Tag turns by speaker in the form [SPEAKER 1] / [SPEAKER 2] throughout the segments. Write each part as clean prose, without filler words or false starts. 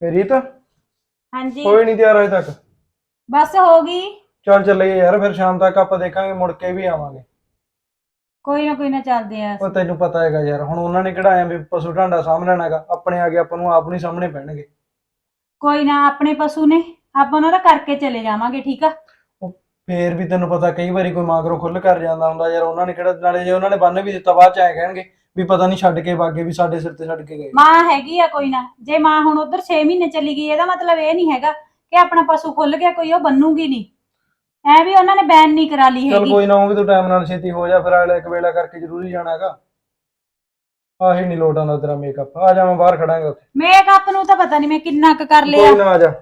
[SPEAKER 1] ਰੀਤ
[SPEAKER 2] हाँ जी।
[SPEAKER 1] ਹੋਈ ਨਹੀਂ ਤਿਆਰ ਅਜੇ ਤੱਕ।
[SPEAKER 2] बस होगी।
[SPEAKER 1] ਚੱਲ ਚੱਲੀਏ ਯਾਰ, ਫਿਰ ਸ਼ਾਮ ਤੱਕ ਆਪਾਂ ਦੇਖਾਂਗੇ, ਮੁੜ ਕੇ ਵੀ ਆਵਾਂਗੇ।
[SPEAKER 2] कोई ना चलते हैं
[SPEAKER 1] ਉਹ ਤੈਨੂੰ ਪਤਾ ਹੈਗਾ ਯਾਰ, ਹੁਣ ਉਹਨਾਂ ਨੇ ਕਿਹੜਾ ਐਂ ਵੀ ਪਸ਼ੂ ਢਾਂਡਾ ਸਾਂਭ ਲੈਣਾ ਹੈਗਾ, ਆਪਣੇ ਆ ਕੇ ਆਪਾਂ ਨੂੰ ਆਪ ਨਹੀਂ ਸਾਹਮਣੇ ਪੈਣਗੇ।
[SPEAKER 2] कोई ना अपने पशु ने आप उन्होंने करके चले जावांगे ठीक है।
[SPEAKER 1] ਉਹ ਫੇਰ ਵੀ ਤੈਨੂੰ ਪਤਾ ਕਈ ਵਾਰੀ ਕੋਈ ਮਾਗਰੋਂ ਖੁੱਲ ਕਰ ਜਾਂਦਾ ਹੁੰਦਾ ਯਾਰ, ਉਹਨਾਂ ਨੇ ਕਿਹੜਾ, ਨਾਲੇ ਜੇ ਉਹਨਾਂ ਨੇ ਬੰਨ ਵੀ ਦਿੱਤਾ ਬਾਅਦ ਚ ਐਂ ਕਹਿਣਗੇ ਵੀ ਪਤਾ ਨਹੀਂ ਛੱਡ ਕੇ ਵਾਗੇ, ਵੀ ਸਾਡੇ ਸਿਰ ਤੇ ਛੱਡ ਕੇ ਗਏ।
[SPEAKER 2] मां हैगी आ कोई ना, जे मां हुण उधर 6 महीने चली गई ਇਹਦਾ मतलब ਇਹ ਨਹੀਂ ਹੈਗਾ ਕਿ ਆਪਣਾ ਪਸ਼ੂ ਖੁੱਲ ਗਿਆ ਕੋਈ ਉਹ ਬੰਨੂਗੀ ਨਹੀਂ, ਐ ਵੀ ਉਹਨਾਂ ਨੇ ਬੈਨ ਨਹੀਂ ਕਰਾ ਲਈ
[SPEAKER 1] ਚੱਲ
[SPEAKER 2] ਹੈਗੀ।
[SPEAKER 1] ਕੋਈ ਨਾ, ਉਹ ਵੀ ਤੂੰ ਟਾਈਮ ਨਾਲ ਛੇਤੀ ਹੋ ਜਾ, ਫਿਰ ਅਗਲੇ ਇੱਕ ਵੇਲਾ ਕਰਕੇ ਜ਼ਰੂਰੀ ਜਾਣਾ ਹੈਗਾ। ਆਹੀ ਨਹੀਂ ਲੋਟ ਆਉਂਦਾ ਤੇਰਾ ਮੇਕਅਪ, ਆ ਜਾ ਮੈਂ ਬਾਹਰ ਖੜਾਂਗਾ ਉੱਥੇ।
[SPEAKER 2] ਮੇਕਅਪ ਨੂੰ ਤਾਂ ਪਤਾ ਨਹੀਂ ਮੈਂ ਕਿੰਨਾ ਕੁ ਕਰ ਲਿਆ।
[SPEAKER 1] ਕੋਈ ਨਾ ਆ ਜਾ।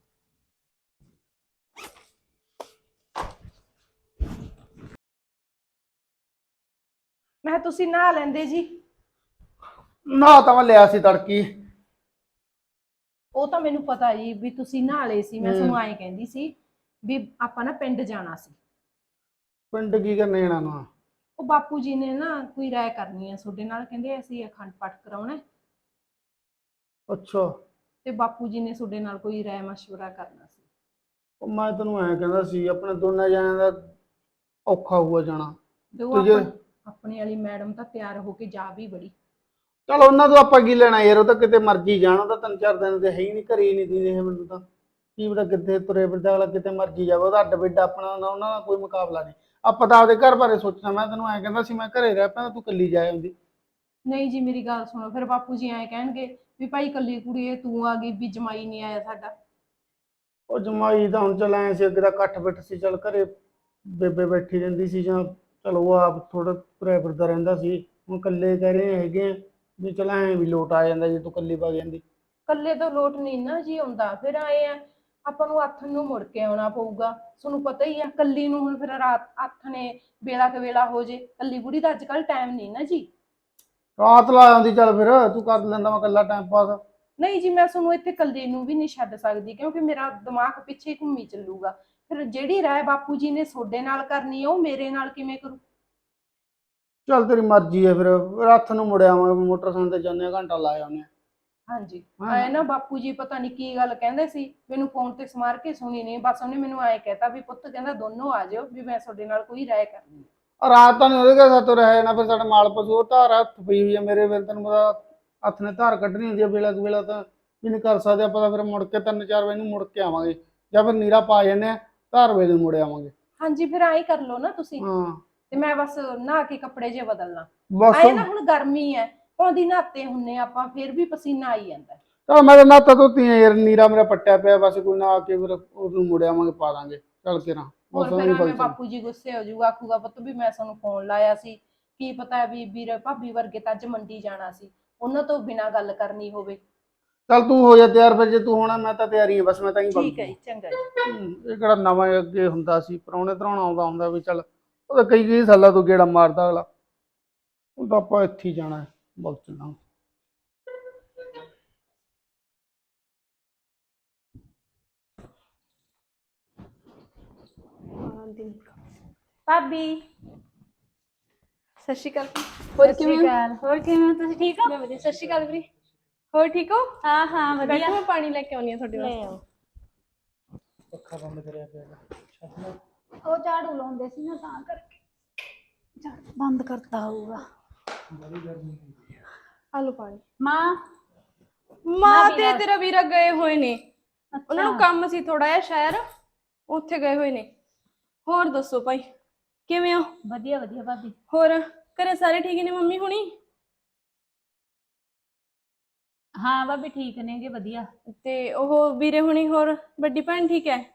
[SPEAKER 3] ਮੈਂ ਤੁਸੀਂ ਨਹਾ ਲੈਂਦੇ ਜੀ।
[SPEAKER 4] ਨਾ ਤਾਂ ਮੈਂ ਲਿਆ ਸੀ ਤੜਕੀ।
[SPEAKER 3] ਉਹ ਤਾਂ ਮੈਨੂੰ ਪਤਾ ਜੀ ਵੀ ਤੁਸੀਂ ਨਹਾ ਲਏ ਸੀ। ਮੈਂ ਤੁਹਾਨੂੰ ਐਂ ਕਹਿੰਦੀ ਸੀ ਵੀ ਆਪਾਂ ਨਾ ਪਿੰਡ ਜਾਣਾ ਸੀ।
[SPEAKER 4] ਪਿੰਡ ਕੀ ਕਰਨੇ ਜਾਣਾ ਨਾ?
[SPEAKER 3] ਉਹ ਬਾਪੂ ਜੀ ਨੇ ਨਾ ਕੋਈ ਰਾਏ ਕਰਨੀ ਹੈ ਤੁਹਾਡੇ ਨਾਲ, ਕਹਿੰਦੇ ਅਸੀਂ ਅਖੰਡ ਪਾਠ ਕਰਾਉਣਾ
[SPEAKER 4] ਅੱਛਾ।
[SPEAKER 3] ਤੇ ਬਾਪੂ ਜੀ ਨੇ ਤੁਹਾਡੇ ਨਾਲ ਕੋਈ ਰਾਏ ਮਸ਼ਵਰਾ ਕਰਨਾ ਸੀ।
[SPEAKER 4] ਉਹ ਮੈਂ ਤੈਨੂੰ ਐਂ ਕਹਿੰਦਾ ਸੀ, ਆਪਣੇ ਦੋਨਾਂ ਜਣਿਆਂ ਦਾ ਔਖਾ ਹੋਊਗਾ ਜਾਣਾ।
[SPEAKER 3] ਤੇ ਉਹ ਆਪਣੀ ਵਾਲੀ ਮੈਡਮ ਤਾਂ ਤਿਆਰ ਹੋ ਕੇ ਜਾ ਵੀ ਬੜੀ।
[SPEAKER 4] ਚਲ ਉਹਨਾਂ ਤੋਂ ਆਪਾਂ ਕੀ ਲੈਣਾ ਯਾਰ, ਉਹ ਤਾਂ ਕਿਤੇ ਮਰਜੀ ਜਾਣ, ਉਹ ਤਾਂ 3-4 ਦਿਨ ਦੇ ਹੈ ਹੀ ਨਹੀਂ, ਘਰੇ ਹੀ ਨਹੀਂ ਦੀਦੇ ਮੈਨੂੰ ਤਾਂ। ਕੀ ਪਤਾ ਕਿੱਥੇ ਤੁਰੇ ਫਿਰਦਾ ਅਗਲਾ, ਕਿਤੇ ਮਰਜੀ ਜਾਵੇ, ਉਹਦਾ ਅੱਡ ਬਿੱਡ ਆਪਣਾ, ਉਹਨਾਂ ਦਾ ਕੋਈ ਮੁਕਾਬਲਾ ਨਹੀਂ। ਆਪਾਂ ਤਾਂ ਆਪਦੇ ਘਰ ਬਾਰੇ ਸੋਚਣਾ। ਮੈਂ ਤੈਨੂੰ ਐਂ ਕਹਿੰਦਾ ਸੀ ਮੈਂ ਘਰੇ ਰਹਿ ਪੈਂਦਾ, ਤੂੰ ਇਕੱਲੀ ਜਾ ਆਉਂਦੀ।
[SPEAKER 3] ਨਹੀਂ ਜੀ ਮੇਰੀ ਗੱਲ ਸੁਣੋ, ਫਿਰ ਬਾਪੂ ਜੀ ਐਂ ਕਹਿਣਗੇ ਵੀ ਭਾਈ ਇਕੱਲੀ ਕੁੜੀ ਤੂੰ ਆ ਗਈ ਵੀ ਜਮਾਈ ਨਹੀਂ ਆਇਆ ਸਾਡਾ।
[SPEAKER 4] ਉਹ ਜਮਾਈ ਤਾਂ ਹੁਣ ਚੱਲ ਐਂ ਸੀ, ਅੱਗੇ ਤਾਂ ਇਕੱਠ ਬਿੱਠ ਸੀ, ਚੱਲ ਘਰੇ ਬੇਬੇ ਬੈਠੀ ਰਹਿੰਦੀ ਸੀ, ਜਾਂ ਚਲ ਉਹ ਆਪ ਥੋੜਾ ਤੁਰਿਆ ਫਿਰਦਾ ਰਹਿੰਦਾ ਸੀ। ਹੁਣ ਇਕੱਲੇ ਕਹਿ ਰਹੇ ਹੈਗੇ ਆ ਵੀ ਚਲ ਐਂ ਵੀ ਲੋਟ ਆ ਜਾਂਦਾ ਜੇ ਤੂੰ ਇਕੱਲੀ ਵਗ ਜਾਂਦੀ।
[SPEAKER 3] ਇਕੱਲੇ ਤੋਂ ਲੋਟ ਨਹੀਂ ਨਾ ਜੀ ਆਉਂਦਾ, ਫਿਰ ਆਏ ਆ ਆਪਾਂ ਨੂੰ ਅੱਥ ਨੂੰ ਮੁੜ ਕੇ ਆਉਣਾ ਪਊਗਾ। ਤੁਹਾਨੂੰ ਪਤਾ ਹੀ ਆ ਕੱਲੀ ਨੂੰ, ਹੁਣ ਫਿਰ ਰਾਤ ਅੱਥ ਨੇ ਵੇਲਾ ਕ ਵੇਲਾ ਹੋ ਜੇ, ਕੱਲੀ ਬੁੜੀ ਦਾ ਅੱਜ ਕੱਲ ਟਾਈਮ ਨਹੀਂ ਨਾ ਜੀ।
[SPEAKER 4] ਰਾਤ ਲਾ ਆਉਂਦੀ, ਚੱਲ ਫਿਰ ਤੂੰ ਕਰ ਲੈਂਦਾ, ਮੈਂ ਇਕੱਲਾ ਟਾਈਮ ਪਾਸ।
[SPEAKER 3] ਨਹੀਂ ਜੀ ਮੈਂ ਤੁਹਾਨੂੰ ਇੱਥੇ ਕੱਲੀ ਨੂੰ ਵੀ ਨਹੀਂ ਛੱਡ ਸਕਦੀ, ਕਿਉਂਕਿ ਮੇਰਾ ਦਿਮਾਗ ਪਿੱਛੇ ਘੁੰਮੀ ਚੱਲੂਗਾ। ਫਿਰ ਜਿਹੜੀ ਰਾਏ ਬਾਪੂ ਜੀ ਨੇ ਤੁਹਾਡੇ ਨਾਲ ਕਰਨੀ ਹੈ ਉਹ ਮੇਰੇ ਨਾਲ ਕਿਵੇਂ ਕਰੂ?
[SPEAKER 4] ਚੱਲ ਤੇਰੀ ਮਰਜ਼ੀ ਹੈ, ਫਿਰ ਹੱਥ ਨੂੰ ਮੁੜਿਆ ਆਵਾਂਗੇ, ਮੋਟਰਸਾਈਕਲ ਤੇ ਜਾਂਦੇ ਆ, ਘੰਟਾ ਲਾ ਆਉਂਦੇ ਆ।
[SPEAKER 3] ਹਾਂਜੀ ਆਏ ਨਾ ਬਾਪੂ ਜੀ ਪਤਾ ਨਹੀਂ ਕੀ ਗੱਲ ਕਹਿੰਦੇ ਸੀ, ਮੈਨੂੰ ਫੋਨ ਤੇ ਸਮਾਰ ਕੇ ਸੁਣੀ ਨਹੀਂ, ਬਸ ਉਹਨੇ ਮੈਨੂੰ ਐਂ ਕਹਿਤਾ ਵੀ ਪੁੱਤ ਕਹਿੰਦਾ ਦੋਨੋਂ ਆ ਜਾਓ, ਵੀ ਮੈਂ ਤੁਹਾਡੇ ਨਾਲ ਕੋਈ ਰਾਏ ਕਰਨੀ ਹੈ।
[SPEAKER 4] ਰਾਤ ਤਾਂ ਨਹੀਂ ਉਹਦੇ ਘਰ ਸਾਤੋਂ ਰਹਿ ਜਾਣਾ, ਫਿਰ ਸਾਡੇ ਮਾਲ ਪਸ਼ੂ ਉਹ ਧਾਰ ਹੱਥ ਪਈ ਹੋਈ ਹੈ ਮੇਰੇ, ਫਿਰ ਤੈਨੂੰ ਪਤਾ ਹੱਥ ਨੇ ਧਾਰ ਕੱਢਣੀ ਹੁੰਦੀ ਹੈ, ਵੇਲਾ ਕੁ ਵੇਲਾ ਤਾਂ ਵੀ ਨਹੀਂ ਕਰ ਸਕਦੇ ਆਪਾਂ, ਤਾਂ ਫਿਰ ਮੁੜ ਕੇ 3-4 ਵਜੇ ਨੂੰ ਮੁੜ ਕੇ ਆਵਾਂਗੇ, ਜਾਂ ਫਿਰ ਨੀਰਾ ਪਾ ਜਾਂਦੇ ਆ, ਧਾਰ ਵੇਲੇ ਨੂੰ ਮੁੜ ਆਵਾਂਗੇ।
[SPEAKER 3] ਹਾਂਜੀ ਫਿਰ ਐਂ ਕਰ ਲਓ ਨਾ ਤੁਸੀਂ,
[SPEAKER 4] ਹਾਂ
[SPEAKER 3] ਤੇ ਮੈਂ ਬਸ ਨਹਾ ਕੇ ਕੱਪੜੇ ਜੇ ਬਦਲਣਾ।
[SPEAKER 4] ਬਸ।
[SPEAKER 3] ਆਏ ਨਾ ਹੁਣ ਗਰਮੀ ਹੈ, ਪੌਂਦੀ ਨਹਾਤੇ ਹੁੰਨੇ ਆਪਾਂ, ਫਿਰ ਵੀ ਪਸੀਨਾ ਆਈ ਜਾਂਦਾ।
[SPEAKER 4] ਚਲ ਮੈਂ ਤਾਂ ਨਾਤਾ ਧੋਤੀ ਆ ਯਾਰ, ਨੀਰਾ ਮੇਰਾ ਪੱਟਿਆ ਪਿਆ, ਬਸ ਕੋਈ ਨਾ ਆ ਕੇ ਫਿਰ ਉਹਨੂੰ ਮੁੜ ਆਵਾਂਗੇ, ਪਾ ਦਾਂਗੇ ਚੱਲ ਕੇ ਨਾ।
[SPEAKER 3] ਹੋਰ ਫਿਰ ਐਵੇਂ ਬਾਪੂ ਜੀ ਗੁੱਸੇ ਹੋ ਜਾਊਗਾ, ਆਖੂਗਾ ਪੁੱਤ ਵੀ ਮੈਂ ਤੁਹਾਨੂੰ ਫੋਨ ਲਾਇਆ ਸੀ, ਕੀ ਪਤਾ ਵੀ ਵੀਰ ਭਾਬੀ ਵਰਗੇ ਤਾਂ ਅੱਜ ਮੰਡੀ ਜਾਣਾ ਸੀ, ਉਹਨਾਂ ਤੋਂ ਬਿਨਾਂ ਗੱਲ ਕਰਨੀ ਹੋਵੇ।
[SPEAKER 4] ਚੱਲ ਤੂੰ ਹੋ ਜਾ ਤਿਆਰ, ਫਿਰ ਜੇ ਤੂੰ ਹੋਣਾ ਮੈਂ ਤਾਂ ਤਿਆਰੀ ਹਾਂ, ਬਸ ਮੈਂ ਤਾਂ ਹੀ
[SPEAKER 3] ਠੀਕ ਹੈ ਜੀ, ਚੰਗਾ ਜੀ।
[SPEAKER 4] ਇਹ ਕਿਹੜਾ ਨਵਾਂ ਅੱਗੇ ਹੁੰਦਾ ਸੀ, ਪ੍ਰਾਹੁਣੇ ਧਰਾਉਣਾ ਆਉਂਦਾ ਹੁੰਦਾ ਵੀ ਚੱਲ ਉਹਦਾ ਕਈ ਸਾਲਾਂ ਤੋਂ ਗੇੜਾ ਮਾਰਦਾ ਅਗਲਾ। ਹੁਣ ਤਾਂ ਆਪਾਂ ਇੱਥੇ ਹੀ ਜਾਣਾ, ਬਹੁਤ ਚੱਲਾਂਗੇ।
[SPEAKER 2] ਭਾਬੀ
[SPEAKER 5] ਸਤਿ ਸ਼੍ਰੀ ਅਕਾਲ।
[SPEAKER 2] ਹੋਰ ਕਿਵੇਂ ਹੋ ਤੁਸੀਂ? ਠੀਕ ਹੋ?
[SPEAKER 5] ਮੈਂ ਵਧੀਆ। ਸਤਿ ਸ਼੍ਰੀ ਅਕਾਲ ਵੀਰੇ, ਹੋਰ ਠੀਕ ਹੋ?
[SPEAKER 2] ਹਾਂ ਹਾਂ ਵਧੀਆ।
[SPEAKER 5] ਬੈਠੋ, ਮੈਂ ਪਾਣੀ ਲੈ ਕੇ ਆਉਣੀ ਆ ਤੁਹਾਡੇ ਵਾਸਤੇ।
[SPEAKER 1] ਪੱਖਾ ਬੰਦ ਕਰਿਆ ਪਿਆ,
[SPEAKER 2] ਉਹ ਝਾੜੂ ਲਾਉਂਦੇ ਸੀ ਨਾ ਤਾਂ ਕਰਕੇ ਝਾੜੂ ਬੰਦ ਕਰਤਾ ਹੋਊਗਾ।
[SPEAKER 5] ਆ ਲਓ ਪਾਣੀ।
[SPEAKER 2] ਮਾਂ
[SPEAKER 5] ਤੇ ਤੇਰਾ ਵੀਰਾ ਗਏ ਹੋਏ ਨੇ, ਉਹਨਾਂ ਨੂੰ ਕੰਮ ਸੀ ਥੋੜਾ ਜਿਹਾ ਸ਼ਹਿਰ, ਉੱਥੇ ਗਏ ਹੋਏ ਨੇ। ਹੋਰ ਦੱਸੋ ਭਾਈ, ਕਿਵੇਂ ਹੋ?
[SPEAKER 2] ਵਧੀਆ ਵਧੀਆ ਭਾਬੀ।
[SPEAKER 5] ਹੋਰ ਘਰੇ ਸਾਰੇ ਠੀਕ ਨੇ? ਮੰਮੀ ਹੁਣੀ?
[SPEAKER 2] ਹਾਂ ਭਾਬੀ ਠੀਕ ਨੇਗੇ, ਵਧੀਆ।
[SPEAKER 5] ਤੇ ਉਹ ਵੀਰੇ ਹੁਣੀ, ਹੋਰ ਵੱਡੀ ਭੈਣ ਠੀਕ ਹੈ?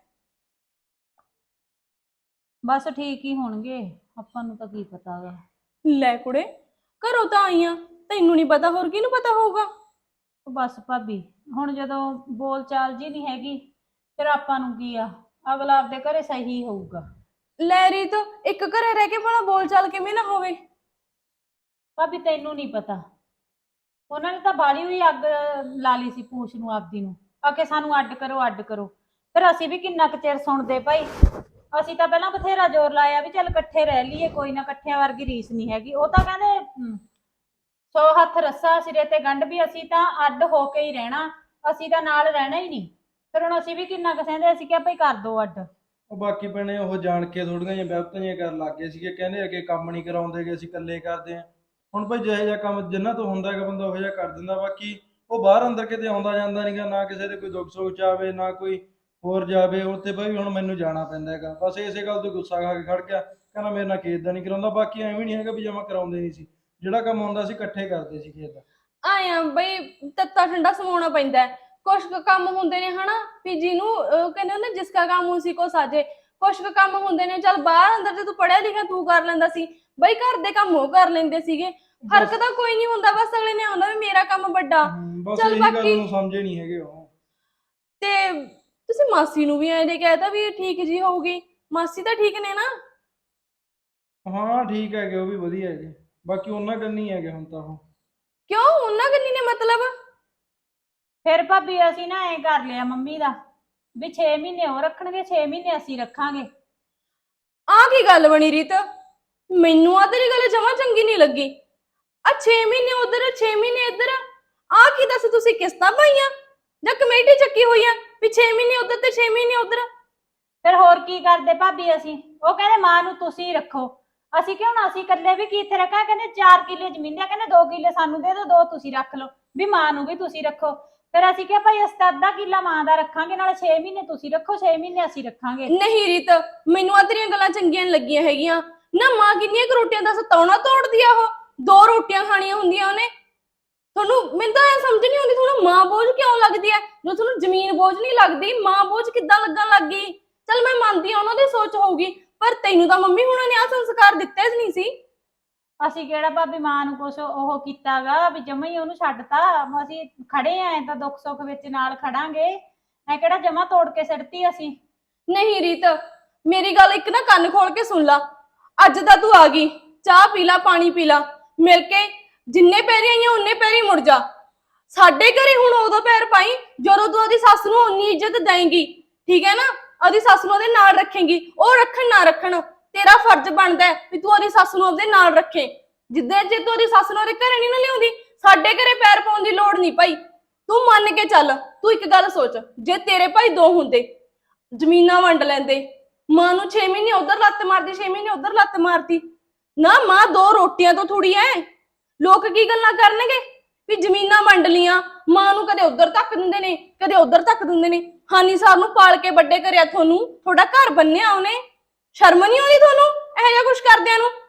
[SPEAKER 2] ਬਸ ਠੀਕ ਹੀ ਹੋਣਗੇ, ਆਪਾਂ ਨੂੰ ਤਾਂ ਕੀ ਪਤਾ ਗਾ।
[SPEAKER 5] ਲੈ ਕੁੜੇ, ਘਰੋਂ ਤਾਂ ਆਈਆਂ, ਤੈਨੂੰ ਨਹੀਂ ਪਤਾ, ਹੋਰ ਕਿਹਨੂੰ ਪਤਾ ਹੋਊਗਾ?
[SPEAKER 2] ਬਸ ਭਾਬੀ ਹੁਣ ਜਦੋਂ ਬੋਲ ਚਾਲ ਜੀ ਨਹੀਂ ਹੈਗੀ, ਫਿਰ ਆਪਾਂ ਨੂੰ ਕੀ ਆ, ਅਗਲਾ ਆਪਦੇ ਘਰੇ ਸਹੀ ਹੋਊਗਾ।
[SPEAKER 5] ਲੈ ਰੀਤ, ਇੱਕ ਘਰੇ ਰਹਿ ਕੇ ਭਲਾ ਬੋਲ ਚਾਲ ਕਿਵੇਂ ਨਾ ਹੋਵੇ?
[SPEAKER 2] ਭਾਬੀ ਤੈਨੂੰ ਨਹੀਂ ਪਤਾ, ਉਹਨਾਂ ਨੇ ਤਾਂ ਬਾਲੀ ਹੋਈ ਅੱਗ ਲਾ ਲਈ ਸੀ ਪੂਛ ਨੂੰ ਆਪਦੀ ਨੂੰ, ਆ ਕੇ ਸਾਨੂੰ ਅੱਡ ਕਰੋ ਅੱਡ ਕਰੋ। ਫਿਰ ਅਸੀਂ ਵੀ ਕਿੰਨਾ ਕੁ ਚਿਰ ਸੁਣਦੇ ਭਾਈ, ਅਸੀਂ ਤਾਂ ਪਹਿਲਾਂ ਬਥੇਰਾ ਜ਼ੋਰ ਲਾਇਆ ਵੀ ਚੱਲ ਇਕੱਠੇ ਰਹਿ ਲਈਏ, ਕੋਈ ਨਾ, ਇਕੱਠਿਆਂ ਵਰਗੀ ਰੀਸ ਨਹੀਂ ਹੈਗੀ। ਉਹ ਤਾਂ ਕਹਿੰਦੇ 100 ਹੱਥ ਰੱਸਾ ਸਿਰੇ ਤੇ ਗੰਢ, ਵੀ ਅਸੀਂ ਤਾਂ ਅੱਡ ਹੋ ਕੇ ਹੀ ਰਹਿਣਾ, ਅਸੀਂ ਤਾਂ ਨਾਲ ਰਹਿਣਾ ਹੀ ਨਹੀਂ। ਫਿਰ ਹੁਣ ਅਸੀਂ ਵੀ ਕਿੰਨਾ ਕੁ ਸਹਿੰਦੇ, ਅਸੀਂ ਕਿਹਾ ਭਾਈ ਕਰ ਦੋ ਅੱਡ।
[SPEAKER 1] ਉਹ ਬਾਕੀ ਭੈਣੇ ਉਹ ਜਾਣ ਕੇ ਥੋੜੀਆਂ ਜਿਹੀਆਂ ਬਿਪਤਾਂ ਜਿਹੀਆਂ ਕਰਨ ਲੱਗ ਗਏ ਸੀਗੇ, ਕਹਿੰਦੇ ਅੱਗੇ ਕੰਮ ਨਹੀਂ ਕਰਾਉਂਦੇਗੇ, ਅਸੀਂ ਇਕੱਲੇ ਕਰਦੇ ਹਾਂ। ਹੁਣ ਭਾਈ ਜਿਹੋ ਜਿਹਾ ਕੰਮ ਜਿੰਨਾ ਤੋਂ ਹੁੰਦਾ ਹੈਗਾ ਬੰਦਾ ਉਹੋ ਜਿਹਾ ਕਰ ਦਿੰਦਾ। ਬਾਕੀ ਉਹ ਬਾਹਰ ਅੰਦਰ ਕਿਤੇ ਆਉਂਦਾ ਜਾਂਦਾ ਨਹੀਂਗਾ, ਨਾ ਕਿਸੇ ਦੇ ਕੋਈ ਦੁੱਖ ਸੁੱਖ ਚ ਆਵੇ, ਨਾ ਕੋਈ ਹੋਰ ਜਾਵੇ ਉੱਥੇ ਭਾਈ। ਹੁਣ ਮੈਨੂੰ ਜਾਣਾ ਪੈਂਦਾ ਹੈਗਾ, ਬਸ ਇਸੇ ਗੱਲ ਤੋਂ ਗੁੱਸਾ ਖਾ ਕੇ ਖੜ ਗਿਆ, ਕਹਿੰਦਾ ਮੇਰੇ ਨਾਲ ਖੇਤ ਦਾ ਨਹੀਂ ਕਰਾਉਂਦਾ। ਬਾਕੀ ਐਵੇਂ ਨਹੀਂ ਹੈਗਾ ਵੀ ਜਮਾ ਕਰਾਉਂਦੇ ਨਹੀਂ ਸੀ, ਜਿਹੜਾ ਕੰਮ ਹੁੰਦਾ ਸੀ ਇਕੱਠੇ ਕਰਦੇ ਸੀ ਖੇਤ ਦਾ।
[SPEAKER 5] ਆਇਆ ਬਈ ਤੱਤਾ ਠੰਡਾ ਸਮਾਉਣਾ ਪੈਂਦਾ ਹੈ। ਕੁਛ ਕੁ ਕੰਮ ਹੁੰਦੇ ਨੇ ਹਨਾ ਵੀ ਜਿਹਨੂੰ ਕਹਿੰਦੇ ਹੁੰਦੇ ਜਿਸ ਕਾ ਕੰਮ ਉਸੀ ਕੋ ਸਾਜੇ। ਕੁਛ ਕੁ ਕੰਮ ਹੁੰਦੇ ਨੇ ਚੱਲ ਬਾਹਰ ਅੰਦਰ ਜੇ ਤੂੰ ਪੜਿਆ ਲਿਖਿਆ ਤੂੰ ਕਰ ਲੈਂਦਾ ਸੀ, ਬਈ ਘਰ ਦੇ ਕੰਮ ਉਹ ਕਰ ਲੈਂਦੇ ਸੀਗੇ। ਫਰਕ ਤਾਂ ਕੋਈ ਨਹੀਂ ਹੁੰਦਾ, ਬਸ ਅਗਲੇ ਨੇ ਆਉਂਦਾ ਵੀ ਮੇਰਾ ਕੰਮ ਵੱਡਾ।
[SPEAKER 1] ਬਸ
[SPEAKER 5] ਚੱਲ
[SPEAKER 1] ਇਹੀ ਗੱਲ
[SPEAKER 5] ਬਾਕੀ
[SPEAKER 1] ਨੂੰ ਸਮਝੇ ਨਹੀਂ ਹੈਗੇ ਉਹ।
[SPEAKER 5] ਤੇ ਤੁਸੀਂ ਮਾਸੀ ਨੂੰ ਵੀ ਐਂ ਕਹਿਤਾ ਵੀ ਇਹ ਠੀਕ ਜੀ ਹੋਊਗੀ, ਮਾਸੀ ਤਾਂ ਠੀਕ ਨੇ ਨਾ?
[SPEAKER 1] ਹਾਂ ਠੀਕ ਹੈਗੇ, ਉਹ ਵੀ ਵਧੀਆ ਹੈਗੇ। ਬਾਕੀ ਉਹਨਾਂ ਕੰਨੀ ਹੈਗੇ ਹੁਣ ਤਾਂ ਉਹ।
[SPEAKER 5] ਕਿਉਂ ਉਹਨਾਂ ਕੰਨੀ ਨੇ ਮਤਲਬ?
[SPEAKER 2] ਫਿਰ ਭਾਬੀ ਅਸੀਂ ਨਾ ਐਂ ਕਰ ਲਿਆ ਮੰਮੀ ਦਾ ਵੀ 6 ਮਹੀਨੇ ਉਹ ਰੱਖਣਗੇ, 6 ਮਹੀਨੇ ਅਸੀਂ ਰੱਖਾਂਗੇ।
[SPEAKER 5] ਆਹ ਕੀ ਗੱਲ ਬਣੀ ਰੀਤ? ਮੈਨੂੰ ਆ ਤੇਰੀ ਗੱਲ ਜਮਾਂ ਚੰਗੀ ਨਹੀਂ ਲੱਗੀ। ਆ 6 ਮਹੀਨੇ ਉਧਰ 6 ਮਹੀਨੇ ਇੱਧਰ, ਆਹ ਕੀ ਦੱਸ ਤੁਸੀਂ ਕਿਸ਼ਤਾਂ ਪਾਈਆਂ ਜਾਂ ਕਮੇਟੀ ਚੱਕੀ ਹੋਈ ਆ ਵੀ 6 ਮਹੀਨੇ ਉਧਰ ਤੇ 6 ਮਹੀਨੇ ਉਧਰ?
[SPEAKER 2] ਫਿਰ ਹੋਰ ਕੀ ਕਰਦੇ ਭਾਬੀ ਅਸੀਂ? ਉਹ ਕਹਿੰਦੇ ਮਾਂ ਨੂੰ ਤੁਸੀਂ ਰੱਖੋ। ਅਸੀਂ ਕਿਉਂ ਨਾ, ਅਸੀਂ ਇਕੱਲੇ ਵੀ ਕੀ ਇੱਥੇ ਰੱਖਾਂ? ਕਹਿੰਦੇ 4 ਕਿੱਲੇ ਜ਼ਮੀਨ ਆ, ਕਹਿੰਦੇ 2 ਕਿੱਲੇ ਸਾਨੂੰ ਦੇ ਦਿਓ, 2 ਤੁਸੀਂ ਰੱਖ ਲਓ, ਵੀ ਮਾਂ ਨੂੰ ਵੀ ਤੁਸੀਂ ਰੱਖੋ। ਫਿਰ ਅਸੀਂ ਕਿਹਾ ਭਾਈ ਅਸੀਂ ਤਾਂ ਅੱਧਾ ਕਿੱਲਾ ਮਾਂ ਦਾ ਰੱਖਾਂਗੇ, ਨਾਲੇ 6 ਮਹੀਨੇ ਤੁਸੀਂ ਰੱਖੋ, 6 ਮਹੀਨੇ ਅਸੀਂ ਰੱਖਾਂਗੇ।
[SPEAKER 5] ਨਹੀਂ ਰੀਤ, ਮੈਨੂੰ ਆ ਤੇਰੀਆਂ ਗੱਲਾਂ ਚੰਗੀਆਂ ਨੀ ਲੱਗੀਆਂ ਹੈਗੀਆਂ ਨਾ। ਮਾਂ ਕਿੰਨੀਆਂ ਕੁ ਰੋਟੀਆਂ ਦੱਸ ਤੌਣਾ ਤੋੜਦੀ ਆ? ਉਹ 2 ਰੋਟੀਆਂ ਖਾਣੀਆਂ ਹੁੰਦੀਆਂ ਉਹਨੇ। ਤੁਹਾਨੂੰ ਮੈਨੂੰ ਤਾਂ ਇਹ ਸਮਝ ਨਹੀਂ ਆਉਂਦੀ, ਤੁਹਾਨੂੰ ਮਾਂ ਬੋਝ ਕਿਉਂ ਲੱਗਦੀ ਹੈ? ਜੋ ਤੁਹਾਨੂੰ ਜ਼ਮੀਨ ਬੋਝ ਨਹੀਂ ਲੱਗਦੀ, ਮਾਂ ਬੋਝ ਕਿੱਦਾਂ ਲੱਗਣ ਲੱਗ ਗਈ? ਚਲ ਮੈਂ ਮੰਨਦੀ ਹਾਂ ਉਹਨਾਂ ਦੀ ਸੋਚ ਹੋਊਗੀ, ਪਰ ਤੈਨੂੰ ਤਾਂ ਮੰਮੀ ਹੁਣਾਂ ਨੇ ਆਹ ਸੰਸਕਾਰ ਦਿੱਤੇ ਨਹੀਂ ਸੀ।
[SPEAKER 2] ਅਸੀਂ ਕਿਹੜਾ ਭਾਬੀ ਮਾਂ ਨੂੰ ਕੁਛ ਉਹ ਕੀਤਾਗਾ ਵੀ ਜਮਾ ਹੀ ਉਹਨੂੰ ਛੱਡਤਾ। ਅਸੀਂ ਖੜੇ ਆਂ ਤਾਂ ਦੁੱਖ ਸੁੱਖ ਵਿੱਚ ਨਾਲ ਖੜਾਂਗੇ, ਐ ਕਿਹੜਾ ਜਮਾ ਤੋੜ ਕੇ ਸਿੱਟਤੀ ਅਸੀਂ।
[SPEAKER 5] ਨਹੀਂ ਰੀਤ, ਮੇਰੀ ਗੱਲ ਇੱਕ ਨਾ ਕੰਨ ਖੋਲ ਕੇ ਸੁਣ ਲਾ। ਅੱਜ ਤਾਂ ਤੂੰ ਆ ਗਈ, ਚਾਹ ਪੀ ਲਾ, ਪਾਣੀ ਪੀ ਲਾ, ਮਿਲ ਕੇ ਜਿੰਨੇ ਪੈਰੀ ਆਈਆਂ ਉਨੇ ਪੈਰੀ ਮੁੜ ਜਾ। ਸਾਡੇ ਘਰੇ ਹੁਣ ਉਦੋਂ ਪੈਰ ਪਾਈ ਜਦੋਂ ਤੂੰ ਉਹਦੀ ਸੱਸ ਨੂੰ ਉਨੀ ਇੱਜ਼ਤ ਦੇਂਗੀ, ਠੀਕ ਹੈ ਨਾ? ਉਹਦੀ ਸੱਸ ਨੂੰ ਉਹਦੇ ਨਾਲ ਰੱਖੇਂਗੀ। ਉਹ ਰੱਖਣ ਨਾ ਰੱਖਣ, ਤੇਰਾ ਫਰਜ਼ ਬਣਦਾ ਹੈ ਵੀ ਤੂੰ ਉਹਦੀ ਸੱਸ ਨੂੰ ਉਹਦੇ ਨਾਲ ਰੱਖੇ। ਜਿੱਦਾਂ ਜੇ ਤੂੰ ਉਹਦੀ ਸੱਸ ਨੂੰ ਉਹਦੇ ਘਰੇ ਨਹੀਂ ਨਾ ਲਿਆਉਂਦੀ, ਸਾਡੇ ਘਰੇ ਪੈਰ ਪਾਉਣ ਦੀ ਲੋੜ ਨਹੀਂ ਭਾਈ। ਤੂੰ ਮੰਨ ਕੇ ਚੱਲ। ਤੂੰ ਇੱਕ ਗੱਲ ਸੋਚ, ਜੇ ਤੇਰੇ ਭਾਈ 2 ਹੁੰਦੇ, ਜ਼ਮੀਨਾਂ ਵੰਡ ਲੈਂਦੇ, ਮਾਂ ਨੂੰ 6 ਮਹੀਨੇ ਉਧਰ ਲੱਤ ਮਾਰਦੀ, 6 ਮਹੀਨੇ ਉਧਰ ਲੱਤ ਮਾਰਦੀ ਨਾ। ਮਾਂ 2 ਰੋਟੀਆਂ ਤੋਂ ਥੋੜੀ ਐ। ਲੋਕ ਕੀ ਗੱਲਾਂ ਕਰਨਗੇ ਵੀ ਜ਼ਮੀਨਾਂ ਵੰਡ ਲੀਆਂ, ਮਾਂ ਨੂੰ ਕਦੇ ਉਧਰ ਧੱਕ ਦਿੰਦੇ ਨੇ, ਕਦੇ ਉਧਰ ਧੱਕ ਦਿੰਦੇ ਨੇ। ਹਾਨੀ ਸਾਹਿਬ ਨੂੰ ਪਾਲ ਕੇ ਵੱਡੇ ਕਰਿਆ, ਤੁਹਾਨੂੰ ਤੁਹਾਡਾ ਘਰ ਬੰਨਿਆ ਉਹਨੇ। ਸ਼ਰਮ ਨਹੀਂ ਆਉਂਦੀ ਤੁਹਾਨੂੰ ਇਹੋ ਜਿਹਾ ਕੁਝ ਕਰਦਿਆਂ ਨੂੰ?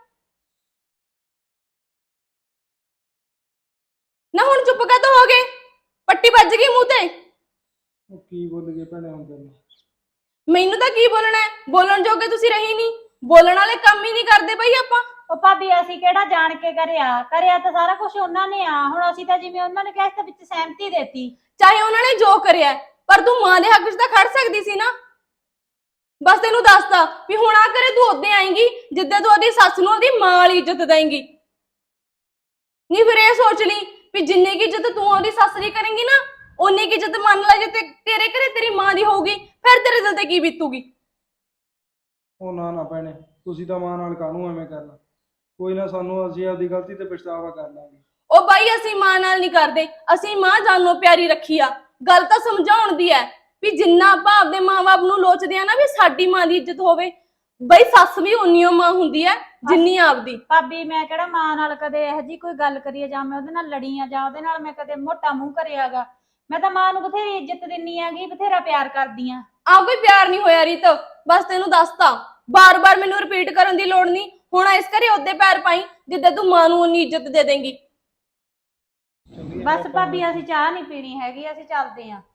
[SPEAKER 5] ਨਾ ਹੁਣ ਚੁੱਪ ਕਾਹਤੋਂ ਹੋ ਗਏ? ਪੱਟੀ ਵੱਜ ਗਈ ਮੂੰਹ ਤੇ।
[SPEAKER 1] ਉਹ ਕੀ ਬੋਲ ਗਏ ਭੈਣੇ ਹੁਣ ਤੈਨੂੰ?
[SPEAKER 5] ਮੈਨੂੰ ਤਾਂ ਕੀ ਬੋਲਣਾ ਹੈ? ਬੋਲਣ ਜੋਗੇ ਤੁਸੀਂ ਰਹੀ ਨਹੀਂ, ਬੋਲਣ ਵਾਲੇ ਕੰਮ ਹੀ ਨਹੀਂ ਕਰਦੇ ਬਈ ਆਪਾਂ।
[SPEAKER 2] ਉਹ ਭਾਬੀ ਅਸੀਂ ਕਿਹੜਾ ਜਾਣ ਕੇ ਕਰਿਆ ਤਾਂ ਸਾਰਾ ਕੁਝ ਉਹਨਾਂ ਨੇ ਆ। ਹੁਣ ਅਸੀਂ ਤਾਂ ਜਿਵੇਂ ਉਹਨਾਂ ਨੇ ਕਿਹਾ ਇਸ ਵਿੱਚ ਸਹਿਮਤੀ ਦੇਤੀ।
[SPEAKER 5] ਚਾਹੇ ਉਹਨਾਂ ਨੇ ਜੋ ਕਰਿਆ, ਪਰ ਤੂੰ ਮਾਂ ਦੇ ਹੱਕ 'ਚ ਤਾਂ ਖੜ ਸਕਦੀ ਸੀ ਨਾ। ਬਸ ਤੈਨੂੰ ਦੱਸਦਾ ਵੀ ਹੁਣ ਆ ਕਰੇ ਤੂੰ ਉਦੋਂ ਆਏਂਗੀ ਜਿੱਦਾਂ ਤੂੰ ਉਹਦੀ ਸੱਸ ਨੂੰ ਉਹਦੀ ਮਾਂ ਵਾਲੀ ਇੱਜ਼ਤ ਦੇਂਗੀ। ਨਹੀਂ ਫਿਰ ਇਹ ਸੋਚ ਲਈ ਵੀ ਜਿੰਨੀ ਕੀ ਇੱਜ਼ਤ ਤੂੰ ਉਹਦੀ ਸੱਸ ਦੀ ਕਰੇਂਗੀ ਨਾ, ਉਨੀ ਕੀ ਇੱਜ਼ਤ ਮੰਨ ਲੈ ਜੇ ਤੇਰੇ ਘਰੇ ਤੇਰੀ ਮਾਂ ਦੀ ਹੋਊਗੀ, ਫਿਰ ਤੇਰੇ ਦਿਲ ਤੇ ਕੀ ਬੀਤੂਗੀ?
[SPEAKER 1] ਉਹ ਨਾ ਨਾ ਭੈਣੇ, ਤੁਸੀਂ ਤਾਂ ਮਾਂ ਨਾਲ ਕਾਹਨੂੰ ਐਵੇਂ ਕਰਨਾ। ਕੋਈ ਨਾ, ਸਾਨੂੰ ਅਸੀਂ ਆਪਦੀ ਗਲਤੀ ਤੇ ਪਛਤਾਵਾ ਕਰ ਲਾਂਗੇ।
[SPEAKER 5] ਉਹ ਬਾਈ ਅਸੀਂ ਮਾਂ ਨਾਲ ਨਹੀਂ ਕਰਦੇ, ਅਸੀਂ ਮਾਂ ਜਾਨੋਂ ਪਿਆਰੀ ਰੱਖੀ ਆ। ਗੱਲ ਤਾਂ ਸਮਝਾਉਣ ਦੀ ਹੈ ਵੀ ਜਿੰਨਾ ਆਪਾਂ ਆਪਦੇ ਮਾਂ-ਬਾਪ ਨੂੰ ਲੋਚਦੇ ਆ ਨਾ ਵੀ ਸਾਡੀ ਮਾਂ ਦੀ ਇੱਜ਼ਤ ਹੋਵੇ, ਬਈ ਸੱਸ ਵੀ ਉਨੀਓ ਮਾਂ ਹੁੰਦੀ ਹੈ ਜਿੰਨੀ ਆਪਦੀ।
[SPEAKER 2] ਭਾਬੀ ਮੈਂ ਕਿਹੜਾ ਮਾਂ ਨਾਲ ਕਦੇ ਇਹੋ ਜਿਹੀ ਕੋਈ ਗੱਲ ਕਰੀਏ ਜਾਂ ਮੈਂ ਉਹਦੇ ਨਾਲ ਲੜੀ ਆ ਜਾਂ ਉਹਦੇ ਨਾਲ ਮੈਂ ਕਦੇ ਮੋਟਾ ਮੂੰਹ ਕਰਿਆਗਾ। ਮੈਂ ਤਾਂ ਮਾਂ ਨੂੰ ਬਥੇਰੀ ਇੱਜ਼ਤ ਦਿੰਨੀ ਆਗੀ, ਬਥੇਰਾ ਪਿਆਰ ਕਰਦੀ ਆ।
[SPEAKER 5] ਆ ਕੋਈ ਪਿਆਰ ਨਹੀਂ ਹੋਇਆ ਰੀਤ, ਬਸ ਤੈਨੂੰ ਦੱਸਤਾ। ਬਾਰ-ਬਾਰ ਮੈਨੂੰ ਰਿਪੀਟ ਕਰਨ ਦੀ ਲੋੜ ਨਹੀਂ। ਹੁਣ ਇਸ ਘਰੇ ਉਹਦੇ ਪੈਰ ਪਾਈ ਜਿੱਦਾਂ ਤੂੰ ਮਾਂ ਨੂੰ ਉਨੀ ਇੱਜ਼ਤ ਦੇ ਦੇਂਗੀ।
[SPEAKER 2] ਬਸ ਭਾਬੀ ਅਸੀਂ ਚਾਹ ਨਹੀਂ ਪੀਣੀ ਹੈਗੀ, ਅਸੀਂ ਚੱਲਦੇ ਆਂ।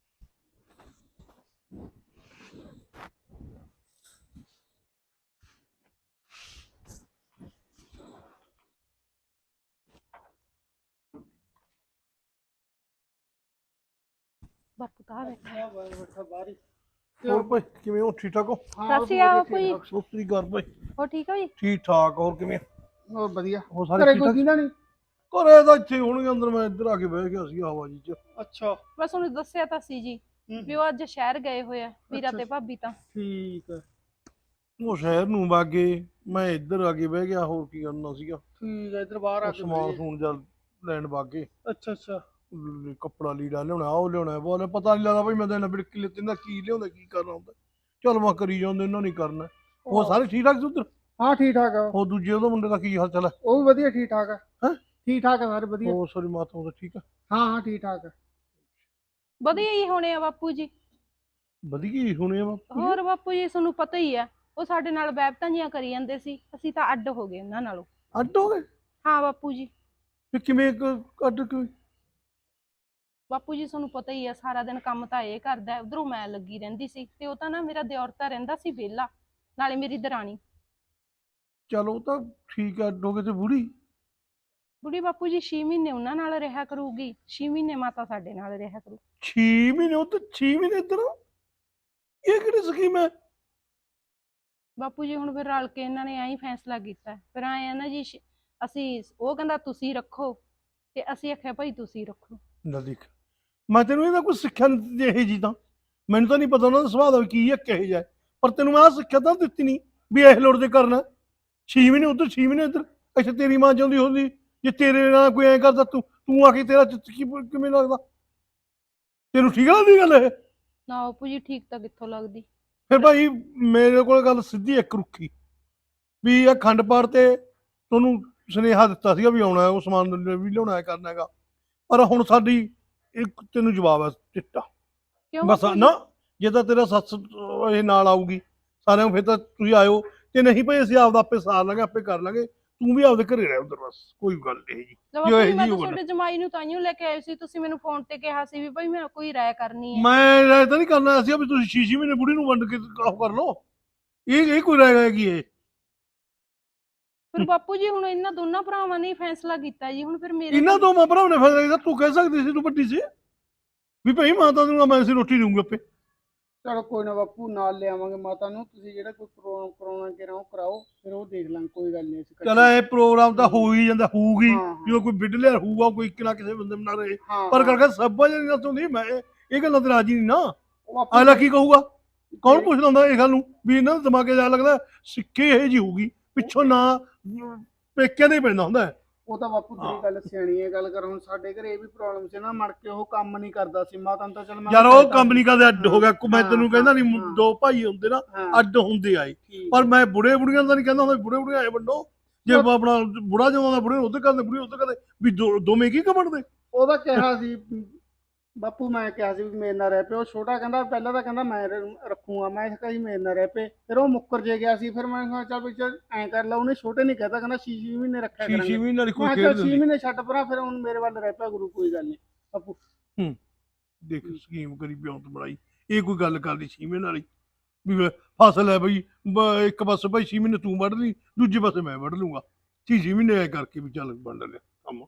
[SPEAKER 2] ਬਾਪੂ ਤਾਂ ਬੈਠਾ।
[SPEAKER 6] ਹੋਰ ਭਾਈ ਕਿਵੇਂ ਹੋ? ਠੀਕ ਠਾਕ ਹੋ?
[SPEAKER 3] ਸਤਿ ਕੋਈ
[SPEAKER 6] ਸੋਸਰੀ ਘਰ ਭਾਈ
[SPEAKER 3] ਹੋ ਠੀਕ ਹੋ ਜੀ?
[SPEAKER 6] ਠੀਕ ਠਾਕ। ਹੋਰ ਕਿਵੇਂ?
[SPEAKER 4] ਹੋਰ ਵਧੀਆ।
[SPEAKER 6] ਹੋਰ ਸਾਰੇ
[SPEAKER 4] ਘਰੇ
[SPEAKER 6] ਠੀਕ
[SPEAKER 4] ਕੋਈ
[SPEAKER 6] ਠਾਕ?
[SPEAKER 4] ਦਿੰਦਾ ਨਹੀਂ?
[SPEAKER 6] ਘਰੇ ਤਾਂ ਇੱਥੇ ਹੋਣਗੇ ਅੰਦਰ, ਮੈਂ ਇੱਧਰ ਆ ਕੇ ਬਹਿ ਗਿਆ ਸੀ ਹਵਾ ਜੀ ਚ।
[SPEAKER 4] ਅੱਛਾ
[SPEAKER 3] ਬਸ ਉਹਨੂੰ ਦੱਸਿਆ ਤਾਂ ਸੀ ਜੀ ਵੀ ਉਹ ਅੱਜ ਸ਼ਹਿਰ ਗਏ ਹੋਏ ਆ, ਵੀਰਾ ਤੇ ਭਾਬੀ ਤਾਂ।
[SPEAKER 4] ਠੀਕ ਹੈ
[SPEAKER 6] ਉਹ ਸ਼ਹਿਰ ਨੂੰ ਵਾਗੇ, ਮੈਂ ਇੱਧਰ ਆ ਕੇ ਬਹਿ ਗਿਆ। ਹੋਰ ਕੀ ਕਰਨਾ ਸੀਗਾ?
[SPEAKER 4] ਠੀਕ ਹੈ, ਇੱਧਰ ਬਾਹਰ ਆ ਕੇ
[SPEAKER 6] ਸਮਾਨ ਸਮੂਨ ਜਲ ਲੈਣ ਵਾਗੇ।
[SPEAKER 4] ਅੱਛਾ ਅੱਛਾ।
[SPEAKER 6] ਕੱਪੜਾ ਲੀੜਾ ਲਿਆਉਣਾ, ਉਹ ਲਿਆਉਣਾ, ਬੋਲੇ ਪਤਾ ਨਹੀਂ ਲੱਗਦਾ ਬਈ ਮੈਂ ਤਾਂ ਇਹਨਾਂ ਬਿੜਕੀ ਲਿੱਤੀ ਨਾ ਕੀ ਲਿਆਉਂਦਾ ਕੀ ਕਰਨਾ ਹੁੰਦਾ। ਚੱਲ ਮੈਂ ਕਰੀ ਜਾਂਦੇ, ਇਹਨਾਂ ਨਹੀਂ ਕਰਨਾ। ਉਹ ਸਾਰੇ ਠੀਕ ਠਾਕ ਸੀ ਉੱਧਰ?
[SPEAKER 4] ਹਾਂ ਠੀਕ ਠਾਕ ਆ,
[SPEAKER 6] ਉਹ ਦੂਜੇ ਉਹਦਾ ਮੁੰਡੇ ਦਾ ਕੀ ਹਾਲ ਚਾਲ ਹੈ?
[SPEAKER 4] ਉਹ ਵੀ ਵਧੀਆ ਠੀਕ ਠਾਕ ਆ।
[SPEAKER 6] ਹੈਂ?
[SPEAKER 4] ਠੀਕ ਠਾਕ ਆ ਸਾਰੇ ਵਧੀਆ।
[SPEAKER 6] ਉਹ ਸੋਰੀ ਮਾਤਾ ਉਹਦਾ ਠੀਕ ਆ?
[SPEAKER 4] ਹਾਂ ਹਾਂ ਠੀਕ ਠਾਕ ਆ।
[SPEAKER 3] ਵਧੀਆ ਹੀ ਹੋਣੇ ਆ ਬਾਪੂ ਜੀ।
[SPEAKER 6] ਵਧੀਆ ਹੀ ਹੋਣੇ ਆ ਬਾਪੂ ਜੀ।
[SPEAKER 3] ਹੋਰ ਬਾਪੂ ਜੀ ਤੁਹਾਨੂੰ ਪਤਾ ਹੀ ਆ, ਉਹ ਸਾਡੇ ਨਾਲ ਵੈਬਤਾਂ ਜੀਆਂ ਕਰੀ ਜਾਂਦੇ ਸੀ, ਅਸੀਂ ਤਾਂ ਅੱਡ ਹੋ ਗਏ ਉਹਨਾਂ ਨਾਲੋਂ।
[SPEAKER 6] ਅੱਡ ਹੋ ਗਏ?
[SPEAKER 3] ਹਾਂ ਬਾਪੂ ਜੀ।
[SPEAKER 6] ਵੀ ਕਿਵੇਂ ਅੱਡ ਕਿਵੇਂ?
[SPEAKER 3] ਬਾਪੂ ਜੀ ਤੁਹਾਨੂੰ ਪਤਾ ਹੀ ਆ, ਸਾਰਾ ਦਿਨ ਕੰਮ ਤਾਂ ਇਹ ਕਰਦਾ, ਉਧਰੋਂ ਮੈਂ ਲੱਗੀ ਰਹਿੰਦੀ ਸੀ, ਤੇ ਉਹ ਤਾਂ ਨਾ ਮੇਰਾ ਦਿਓਰ ਤਾਂ ਰਹਿੰਦਾ ਸੀ ਵਿਹਲਾ, ਨਾਲੇ ਮੇਰੀ ਦਰਾਣੀ।
[SPEAKER 6] ਚਲੋ ਤਾਂ ਠੀਕ ਆ, ਅੱਡ ਹੋ ਗਏ। ਤੇ ਬੁੜੀ?
[SPEAKER 3] ਬੁੜੀ ਬਾਪੂ ਜੀ 6 ਮਹੀਨੇ ਉਹਨਾਂ ਨਾਲ ਰਿਹਾ ਕਰੂਗੀ, 6 ਮਹੀਨੇ ਮਾਤਾ ਸਾਡੇ ਨਾਲ ਰਿਹਾ ਕਰੂ।
[SPEAKER 6] 6 ਮਹੀਨੇ ਉਹ ਤੇ 6 ਮਹੀਨੇ ਇੱਧਰ? ਇਹ ਕਿਹੜੀ ਸਕੀਮ ਹੈ?
[SPEAKER 3] ਬਾਪੂ ਜੀ ਹੁਣ ਫਿਰ ਰਲ ਕੇ ਇਹਨਾਂ ਨੇ ਐਂ ਫੈਸਲਾ ਕੀਤਾ, ਫਿਰ ਆਏ ਆ ਨਾ ਜੀ ਅਸੀਂ, ਉਹ ਕਹਿੰਦਾ ਤੁਸੀਂ ਰੱਖੋ, ਤੇ ਅਸੀਂ ਆਖਿਆ ਭਾਈ ਤੁਸੀਂ ਰੱਖੋ।
[SPEAKER 6] ਨਾ ਦੇਖ, ਮੈਂ ਤੈਨੂੰ ਇਹਦਾ ਕੋਈ ਸਿੱਖਿਆ ਨਹੀਂ ਦਿੱਤੀ ਇਹ ਜੀ ਤਾਂ। ਮੈਨੂੰ ਤਾਂ ਨਹੀਂ ਪਤਾ ਉਹਨਾਂ ਦਾ ਸੁਭਾਅ ਦਾ ਵੀ ਕੀ ਹੈ ਕਿਹੋ ਜਿਹਾ ਹੈ। ਪਰ ਤੈਨੂੰ ਮੈਂ ਆਹ ਸਿੱਖਿਆ ਤਾਂ ਦਿੱਤੀ ਨਹੀਂ ਵੀ ਇਹ ਲੋੜ ਦੇ ਕਰਨਾ। 6 ਮਹੀਨੇ ਉੱਧਰ 6 ਮਹੀਨੇ ਇੱਧਰ। ਅੱਛਾ ਤੇਰੀ ਮਾਂ ਚਾਹੁੰਦੀ ਹੁੰਦੀ ਜੇ ਤੇਰੇ ਨਾਲ ਕੋਈ ਐਂ ਕਰਦਾ, ਤੂੰ ਆ ਕੇ ਤੇਰਾ ਚਿੱਤ ਕਿਵੇਂ ਲੱਗਦਾ? ਤੈਨੂੰ ਠੀਕ ਲੱਗਦੀ ਗੱਲ ਇਹ?
[SPEAKER 3] ਨਾ ਬਾਪੂ ਜੀ ਠੀਕ ਤਾਂ ਕਿੱਥੋਂ ਲੱਗਦੀ।
[SPEAKER 6] ਫਿਰ ਭਾਈ ਮੇਰੇ ਕੋਲ ਗੱਲ ਸਿੱਧੀ ਇੱਕ ਰੁੱਖੀ ਵੀ ਇਹ ਖੰਡ ਪਾਠ ਤੇ ਤੁਹਾਨੂੰ ਸੁਨੇਹਾ ਦਿੱਤਾ ਸੀਗਾ ਵੀ ਆਉਣਾ, ਉਹ ਸਮਾਨ ਵੀ ਲਿਆਉਣਾ ਹੈ, ਕਰਨਾ ਹੈਗਾ। ਪਰ ਹੁਣ ਸਾਡੀ ਇੱਕ ਤੈਨੂੰ ਜਵਾਬ ਹੈ ਚਿੱਟਾ।
[SPEAKER 3] ਕਿਉਂ
[SPEAKER 6] ਬਸ
[SPEAKER 3] ਬਾਪੂ ਜੀ?
[SPEAKER 6] ਨਾ, ਜੇ ਤਾਂ ਤੇਰਾ ਸੱਸ ਇਹ ਨਾਲ ਆਊਗੀ ਸਾਰਿਆਂ ਨੂੰ, ਫਿਰ ਤਾਂ ਤੁਸੀਂ ਆਇਓ, ਤੇ ਨਹੀਂ ਭਾਈ ਅਸੀਂ ਆਪਦਾ ਆਪੇ ਸਾਰ ਲਾਂਗੇ, ਆਪੇ ਕਰ ਲਾਂਗੇ। ਤੂੰ ਵੀ ਆਪਦੇ ਘਰੇ ਰਹਿ ਉਧਰ, ਬਸ ਕੋਈ ਗੱਲ ਨਹੀਂ ਜੀ।
[SPEAKER 3] ਲੈ
[SPEAKER 6] ਜੋ
[SPEAKER 3] ਬਾਪੂ
[SPEAKER 6] ਇਹ
[SPEAKER 3] ਜੀ, ਮੈਂ
[SPEAKER 6] ਜੀ
[SPEAKER 3] ਤਾਂ
[SPEAKER 6] ਹੋਣਾ।
[SPEAKER 3] ਤੁਹਾਡੇ ਜਮਾਈ ਨੂੰ ਤਾਈਓ ਲੈ ਕੇ ਆਏ ਸੀ, ਤੁਸੀਂ ਮੈਨੂੰ ਫੋਨ ਤੇ ਕਿਹਾ ਸੀ ਵੀ ਭਾਈ ਮੈਂ ਕੋਈ ਰਾਇ ਕਰਨੀ ਹੈ।
[SPEAKER 6] ਮੈਂ ਰਾਇ ਤਾਂ ਨਹੀਂ ਕਰਨਾ ਸੀ ਵੀ ਤੁਸੀਂ 6 ਮਹੀਨੇ ਬੁੜੀ ਨੂੰ ਵੰਡ ਕੇ ਉਹ ਕਰ ਲਓ। ਇਹ ਕੋਈ ਰਾਇ ਹੈਗੀ ਇਹ?
[SPEAKER 3] ਫਿਰ ਬਾਪੂ ਜੀ ਹੁਣ ਇਹਨਾਂ ਦੋਨਾਂ ਭਰਾਵਾਂ ਨੇ ਹੀ ਫੈਸਲਾ ਕੀਤਾ ਜੀ, ਹੁਣ ਫਿਰ ਮੇਰੇ
[SPEAKER 6] ਇਹਨਾਂ ਦੋਵਾਂ ਭਰਾਵਾਂ ਨੇ ਫੈਸਲਾ ਕੀਤਾ। ਤੂੰ ਕਹਿ ਸਕਦੀ ਸੀ, ਤੂੰ ਵੱਡੀ ਸੀ, ਵੀ ਭਾਈ ਮਾਤਾ ਨੂੰ ਮੈਂ ਅਸੀਂ ਰੋਟੀ ਦਊਂਗਾ ਆਪੇ।
[SPEAKER 4] ਚਲੋ ਕੋਈ ਨਾ ਬਾਪੂ, ਨਾਲ ਲਿਆਵਾਂਗੇ ਮਾਤਾ ਨੂੰ। ਤੁਸੀਂ ਜਿਹੜਾ ਕੋਈ ਪ੍ਰੋਗਰਾਮ ਕਰਾਉਣਾ ਕਿ ਉਹ ਕਰਾਓ, ਫਿਰ ਉਹ ਦੇਖ ਲਾਂਗੇ, ਕੋਈ ਗੱਲ ਨਹੀਂ। ਅਸੀਂ
[SPEAKER 6] ਚਲ ਇਹ ਪ੍ਰੋਗਰਾਮ ਤਾਂ ਹੋ ਹੀ ਜਾਂਦਾ, ਹੋਊਗੀ
[SPEAKER 4] ਹਾਂ,
[SPEAKER 6] ਜਦੋਂ ਕੋਈ ਬਿੱਡ ਲਿਆ ਹੋਊਗਾ, ਕੋਈ ਇੱਕ ਨਾ ਕਿਸੇ ਬੰਦੇ ਬਣਾ ਰਹੇ।
[SPEAKER 4] ਹਾਂ
[SPEAKER 6] ਪਰ
[SPEAKER 4] ਹਾਂ।
[SPEAKER 6] ਕਰਕੇ ਸਭ ਜਿਹੜੀ ਨਾ ਹੁੰਦੀ, ਮੈਂ ਇਹ ਗੱਲਾਂ ਤੇ ਰਾਜੀ ਨਹੀਂ ਨਾ।
[SPEAKER 4] ਉਹ ਬਾਪੂ
[SPEAKER 6] ਅਗਲਾ ਕੀ ਕਹੂਗਾ? ਕੌਣ ਪੁੱਛਦਾ ਹੁੰਦਾ ਇਹ ਗੱਲ ਨੂੰ ਵੀ ਇਹਨਾਂ ਦੇ ਦਿਮਾਗੇ ਜਾ ਲੱਗਦਾ ਸਿੱਖੇ ਇਹ ਜੀ ਹੋਊਗੀ ਪਿੱਛੋਂ ਨਾ, ਪੇਕਿਆਂ ਦੇ ਹੀ ਪੈਂਦਾ ਹੁੰਦਾ ਹੈ।
[SPEAKER 4] ਉਹ ਤਾਂ ਬਾਪੂ ਤੇਰੀ ਗੱਲ ਸਿਆਣੀ ਹੈ। ਗੱਲ ਕਰ, ਹੁਣ ਸਾਡੇ ਘਰੇ ਇਹ ਵੀ ਪ੍ਰੋਬਲਮ ਸੀ ਨਾ, ਮੜ ਕੇ ਉਹ ਕੰਮ ਨਹੀਂ ਕਰਦਾ ਸੀ। ਮਾਤਾ ਨੂੰ ਤਾਂ ਚਲ ਮੈਂ
[SPEAKER 6] ਯਾਰ ਉਹ ਕੰਮ ਨਹੀਂ ਕਰਦੇ, ਅੱਡ ਹੋ ਗਿਆ। ਮੈਂ
[SPEAKER 4] ਹਾਂ,
[SPEAKER 6] ਤੈਨੂੰ ਕਹਿੰਦਾ ਨਹੀਂ,
[SPEAKER 4] ਹਾਂ।
[SPEAKER 6] 2 ਭਾਈ ਹੁੰਦੇ ਨਾ,
[SPEAKER 4] ਹਾਂ,
[SPEAKER 6] ਅੱਡ ਹੁੰਦੇ ਆਏ।
[SPEAKER 4] ਠੀਕ
[SPEAKER 6] ਪਰ
[SPEAKER 4] ਹੈ।
[SPEAKER 6] ਮੈਂ ਬੁੜੇ ਬੁੜੀਆਂ ਦਾ ਨਹੀਂ ਕਹਿੰਦਾ ਹੁੰਦਾ, ਬੁੜੇ ਬੁੜੀਆਂ ਆਏ ਵੱਡੋ। ਜੇ ਆਪਣਾ ਬੁੜਾ ਜਦੋਂ ਦਾ ਬੁੜੇ ਉੱਧਰ ਕਰਦੇ, ਬੁੜੀ ਉੱਧਰ ਕਰਦੇ, ਵੀ ਦੋਵੇਂ ਕੀ ਕਮਣਦੇ?
[SPEAKER 4] ਉਹਦਾ ਕਿਹਾ ਸੀ ਬਾਪੂ, ਮੈਂ ਕਿਹਾ ਸੀ ਵੀ ਮੇਰੇ ਨਾਲ ਰਹਿ ਪਏ। ਉਹ ਛੋਟਾ ਕਹਿੰਦਾ, ਪਹਿਲਾਂ ਤਾਂ ਕਹਿੰਦਾ ਮੈਂ ਰੱਖੂਗਾ, ਮੈਂ ਕਿਹਾ ਜੀ ਮੇਰੇ ਨਾਲ ਰਹਿ ਪਏ। ਫਿਰ ਉਹ ਮੁੱਕਰ ਜੇ ਗਿਆ ਸੀ। ਫਿਰ ਮੈਂ ਕਿਹਾ ਚੱਲ ਵੀ ਐਂ ਕਰ ਲਾ। ਉਹਨੇ ਛੋਟੇ ਨਹੀਂ ਕਹਿਤਾ, ਕਹਿੰਦਾ 6 ਮਹੀਨੇ ਰੱਖਿਆ
[SPEAKER 6] 6
[SPEAKER 4] ਕਰਾਂਗੇ।
[SPEAKER 6] ਮਹੀਨੇ ਵਾਲੀ
[SPEAKER 4] ਮੈਂ
[SPEAKER 6] ਕੋਈ
[SPEAKER 4] ਕਿਹਾ
[SPEAKER 6] ਖੇਡ
[SPEAKER 4] 6
[SPEAKER 6] ਦਿੰਦੀ।
[SPEAKER 4] ਮਹੀਨੇ ਛੱਡ ਪਰਾਂ, ਫਿਰ ਹੁਣ ਮੇਰੇ ਵੱਲ ਰਹਿ ਪਿਆ ਗੁਰੂ, ਕੋਈ ਗੱਲ ਨਹੀਂ ਬਾਪੂ।
[SPEAKER 6] ਦੇਖ ਸਕੀਮ ਕਰੀ ਪਿਉਂਤ ਬਣਾਈ, ਇਹ ਕੋਈ ਗੱਲ ਕਰਦੀ 6 ਮਹੀਨੇ ਵਾਲੀ ਵੀ ਫਸਲ ਹੈ ਬਈ, ਇੱਕ ਪਾਸੇ ਭਾਈ 6 ਮਹੀਨੇ ਤੂੰ ਵੱਢ ਲਈ, ਦੂਜੇ ਪਾਸੇ ਮੈਂ ਵੱਢ ਲੂੰਗਾ। 6 ਮਹੀਨੇ ਐ ਕਰਕੇ ਵੀ ਚੱਲ ਵੰਡ ਲਿਆ ਕੰਮ।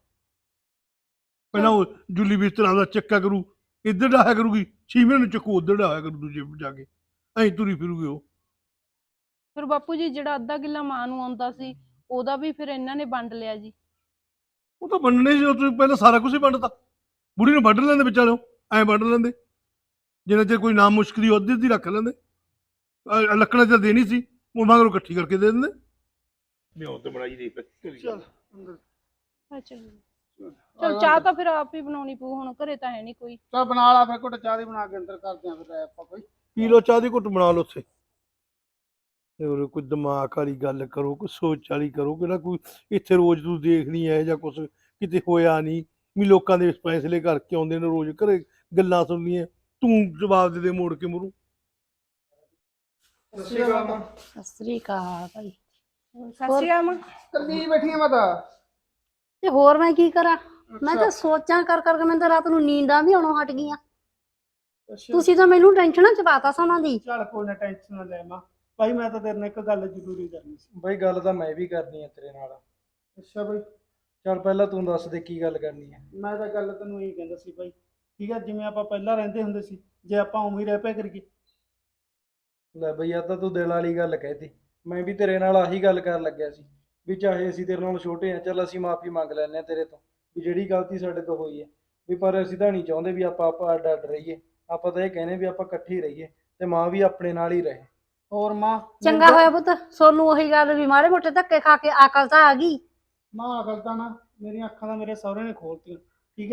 [SPEAKER 6] ਪਹਿਲਾਂ ਉਹ ਜੁੱਲੀ ਬਿਸਤਰਾ ਦਾ ਚੱਕਾ ਕਰੂ, ਇੱਧਰ ਡਾਹਿਆ ਕਰੂਗੀ, 6 ਮਹੀਨੇ ਨੂੰ ਚੱਕੂ ਉੱਧਰ ਡਾਹਿਆ ਕਰੂ, ਦੂਜੇ ਜਾ ਕੇ ਐਂ ਤੁਰੀ ਫਿਰੂਗੀ ਉਹ।
[SPEAKER 3] ਫਿਰ ਬਾਪੂ ਜੀ ਜਿਹੜਾ ਅੱਧਾ ਕਿੱਲਾ ਮਾਂ ਨੂੰ ਆਉਂਦਾ ਸੀ, ਉਹਦਾ ਵੀ ਫਿਰ ਇਹਨਾਂ ਨੇ ਵੰਡ ਲਿਆ ਜੀ।
[SPEAKER 6] ਉਹ ਤਾਂ ਵੰਡਣੇ ਸੀ, ਉਹ ਤੁਸੀਂ ਪਹਿਲਾਂ ਸਾਰਾ ਕੁਝ ਹੀ ਵੰਡਤਾ। ਬੁੜੀ ਨੂੰ ਵੱਢ ਲੈਂਦੇ ਵਿਚਾਲੋਂ, ਐਂ ਵੱਢ ਲੈਂਦੇ, ਜਿੰਨਾ ਚਿਰ ਕੋਈ ਨਾਮ ਮੁਸ਼ਕਲੀ ਉਹਦੀ ਅੱਧੀ ਰੱਖ ਲੈਂਦੇ। ਲੱਕੜਾਂ ਤਾਂ ਦੇਣੀ ਸੀ, ਉਹ ਮਗਰੋਂ ਇਕੱਠੀ ਕਰਕੇ ਦੇ ਦਿੰਦੇ। ਮਿਉਂ ਤੇ ਬਣਾਈ ਦੇ
[SPEAKER 4] ਚੱਲ ਅੰਦਰ
[SPEAKER 3] ਅੱਛਾ ਚਲ, ਚਾਹ ਤਾਂ ਫਿਰ ਆਪ ਹੀ ਬਣਾਉਣੀ ਪਊ, ਹੁਣ ਘਰੇ ਤਾਂ ਹੈ ਨਹੀਂ ਕੋਈ।
[SPEAKER 4] ਚੱਲ ਬਣਾ ਲਾ ਫਿਰ, ਘੁੱਟ ਚਾਹ ਦੀ ਬਣਾ ਕੇ ਅੰਦਰ ਕਰਦੇ ਆਂ ਫਿਰ ਆਪਾਂ ਕੋਈ।
[SPEAKER 6] ਪੀ ਲਓ ਚਾਹ ਦੀ ਘੁੱਟ, ਬਣਾ ਲਓ ਉੱਥੇ। ਤੇ ਉਰੇ ਕੋਈ ਦਿਮਾਗ ਵਾਲੀ ਗੱਲ ਕਰੋ, ਕੋਈ ਸੋਚ ਵਾਲੀ ਕਰੋ। ਕਿਹੜਾ ਕੋਈ ਇੱਥੇ ਰੋਜ਼ ਤੂੰ ਦੇਖਣੀ ਹੈ ਜਾਂ ਕੁਛ ਕਿਤੇ ਹੋਇਆ ਨਹੀਂ ਵੀ ਲੋਕਾਂ ਦੇ ਫੈਸਲੇ ਕਰਕੇ ਆਉਂਦੇ ਨੇ ਰੋਜ਼ ਘਰੇ ਗੱਲਾਂ ਸੁਣਨੀਆਂ, ਤੂੰ ਜਵਾਬ ਦੇ ਦੇ ਮੋੜ ਕੇ ਮੂਹਰੋਂ।
[SPEAKER 2] ਸਤਿ ਸ੍ਰੀ ਅਕਾਲ ਭਾਈ।
[SPEAKER 3] ਸਤਿ ਸ਼੍ਰੀ ਅਕਾਲ ਮਾਂ।
[SPEAKER 4] ਕੱਲੀ ਬੈਠੀ ਆ ਮਾਤਾ?
[SPEAKER 7] ਤੇ ਹੋਰ ਮੈਂ ਕੀ ਕਰਾਂ? ਮੈਂ ਤਾਂ ਸੋਚਾਂ ਕਰ ਕਰਕੇ ਮੈਨੂੰ ਤਾਂ ਰਾਤ ਨੂੰ ਨੀਂਦਾਂ ਵੀ ਆਉਣੋਂ ਹਟ ਗਈਆਂ। ਤੁਸੀਂ ਤਾਂ ਮੈਨੂੰ ਟੈਨਸ਼ਨਾਂ ਚ ਪਾਤਾ ਸਮਾਂ ਦੀ।
[SPEAKER 4] ਚੱਲ ਕੋਈ ਨਾ, ਟੈਨਸ਼ਨ ਨਾ ਲੈ ਮਾਂ। ਭਾਈ ਮੈਂ ਤਾਂ ਤੇਰੇ ਨਾਲ ਇੱਕ ਗੱਲ ਜ਼ਰੂਰੀ ਕਰਨੀ ਸੀ।
[SPEAKER 1] ਬਈ ਗੱਲ ਤਾਂ ਮੈਂ ਵੀ ਕਰਨੀ ਹੈ ਤੇਰੇ ਨਾਲ।
[SPEAKER 4] ਅੱਛਾ ਭਾਈ,
[SPEAKER 1] ਚੱਲ ਪਹਿਲਾਂ ਤੂੰ ਦੱਸ ਦੇ ਕੀ ਗੱਲ ਕਰਨੀ ਹੈ।
[SPEAKER 4] ਮੈਂ ਤਾਂ ਗੱਲ ਤੈਨੂੰ ਇਹ ਕਹਿੰਦਾ ਸੀ ਭਾਈ, ਠੀਕ ਹੈ, ਜਿਵੇਂ ਆਪਾਂ ਪਹਿਲਾਂ ਰਹਿੰਦੇ ਹੁੰਦੇ ਸੀ, ਜੇ ਆਪਾਂ ਉਵੇਂ ਹੀ ਰਹਿ ਪਿਆ ਕਰੀਏ।
[SPEAKER 1] ਲੈ ਬਈ ਆ ਤਾਂ ਤੂੰ ਦਿਲ ਵਾਲੀ ਗੱਲ ਕਹਿਤੀ। ਮੈਂ ਵੀ ਤੇਰੇ ਨਾਲ ਆਹੀ ਗੱਲ ਕਰਨ ਲੱਗਿਆ ਸੀ ਵੀ ਚਾਹੇ ਅਸੀਂ ਤੇਰੇ ਨਾਲ ਛੋਟੇ ਆ, ਚੱਲ ਅਸੀਂ ਮਾਫੀ ਮੰਗ ਲੈਂਦੇ ਆ ਤੇਰੇ ਤੋਂ ਵੀ ਜਿਹੜੀ ਗਲਤੀ ਸਾਡੇ ਤੋਂ ਹੋਈ ਹੈ ਵੀ, ਪਰ ਅਸੀਂ ਤਾਂ ਨਹੀਂ ਚਾਹੁੰਦੇ ਵੀ ਆਪਾਂ ਅੱਡ ਅੱਡ ਰਹੀਏ। ਆਪਾਂ ਤਾਂ ਇਹ ਕਹਿੰਦੇ ਵੀ ਆਪਾਂ ਇਕੱਠੇ ਹੀ ਰਹੀਏ ਤੇ ਮਾਂ ਵੀ ਆਪਣੇ ਨਾਲ ਹੀ ਰਹੇ।
[SPEAKER 4] ਹੋਰ ਮਾਂ?
[SPEAKER 7] ਚੰਗਾ ਹੋਇਆ ਪੁੱਤ, ਸੋਨੂੰ ਉਹੀ ਗੱਲ ਵੀ ਮਾੜੇ ਮੋਟੇ ਧੱਕੇ ਖਾ ਕੇ ਅਕਲ ਤਾਂ ਆ ਗਈ।
[SPEAKER 4] ਮਾਂ ਅਕਲ ਤਾਂ ਨਾ ਮੇਰੀਆਂ ਅੱਖਾਂ ਦਾ ਮੇਰੇ ਸਹੁਰੇ ਨੇ ਖੋਲਤੀਆਂ, ਠੀਕ ਹੈ।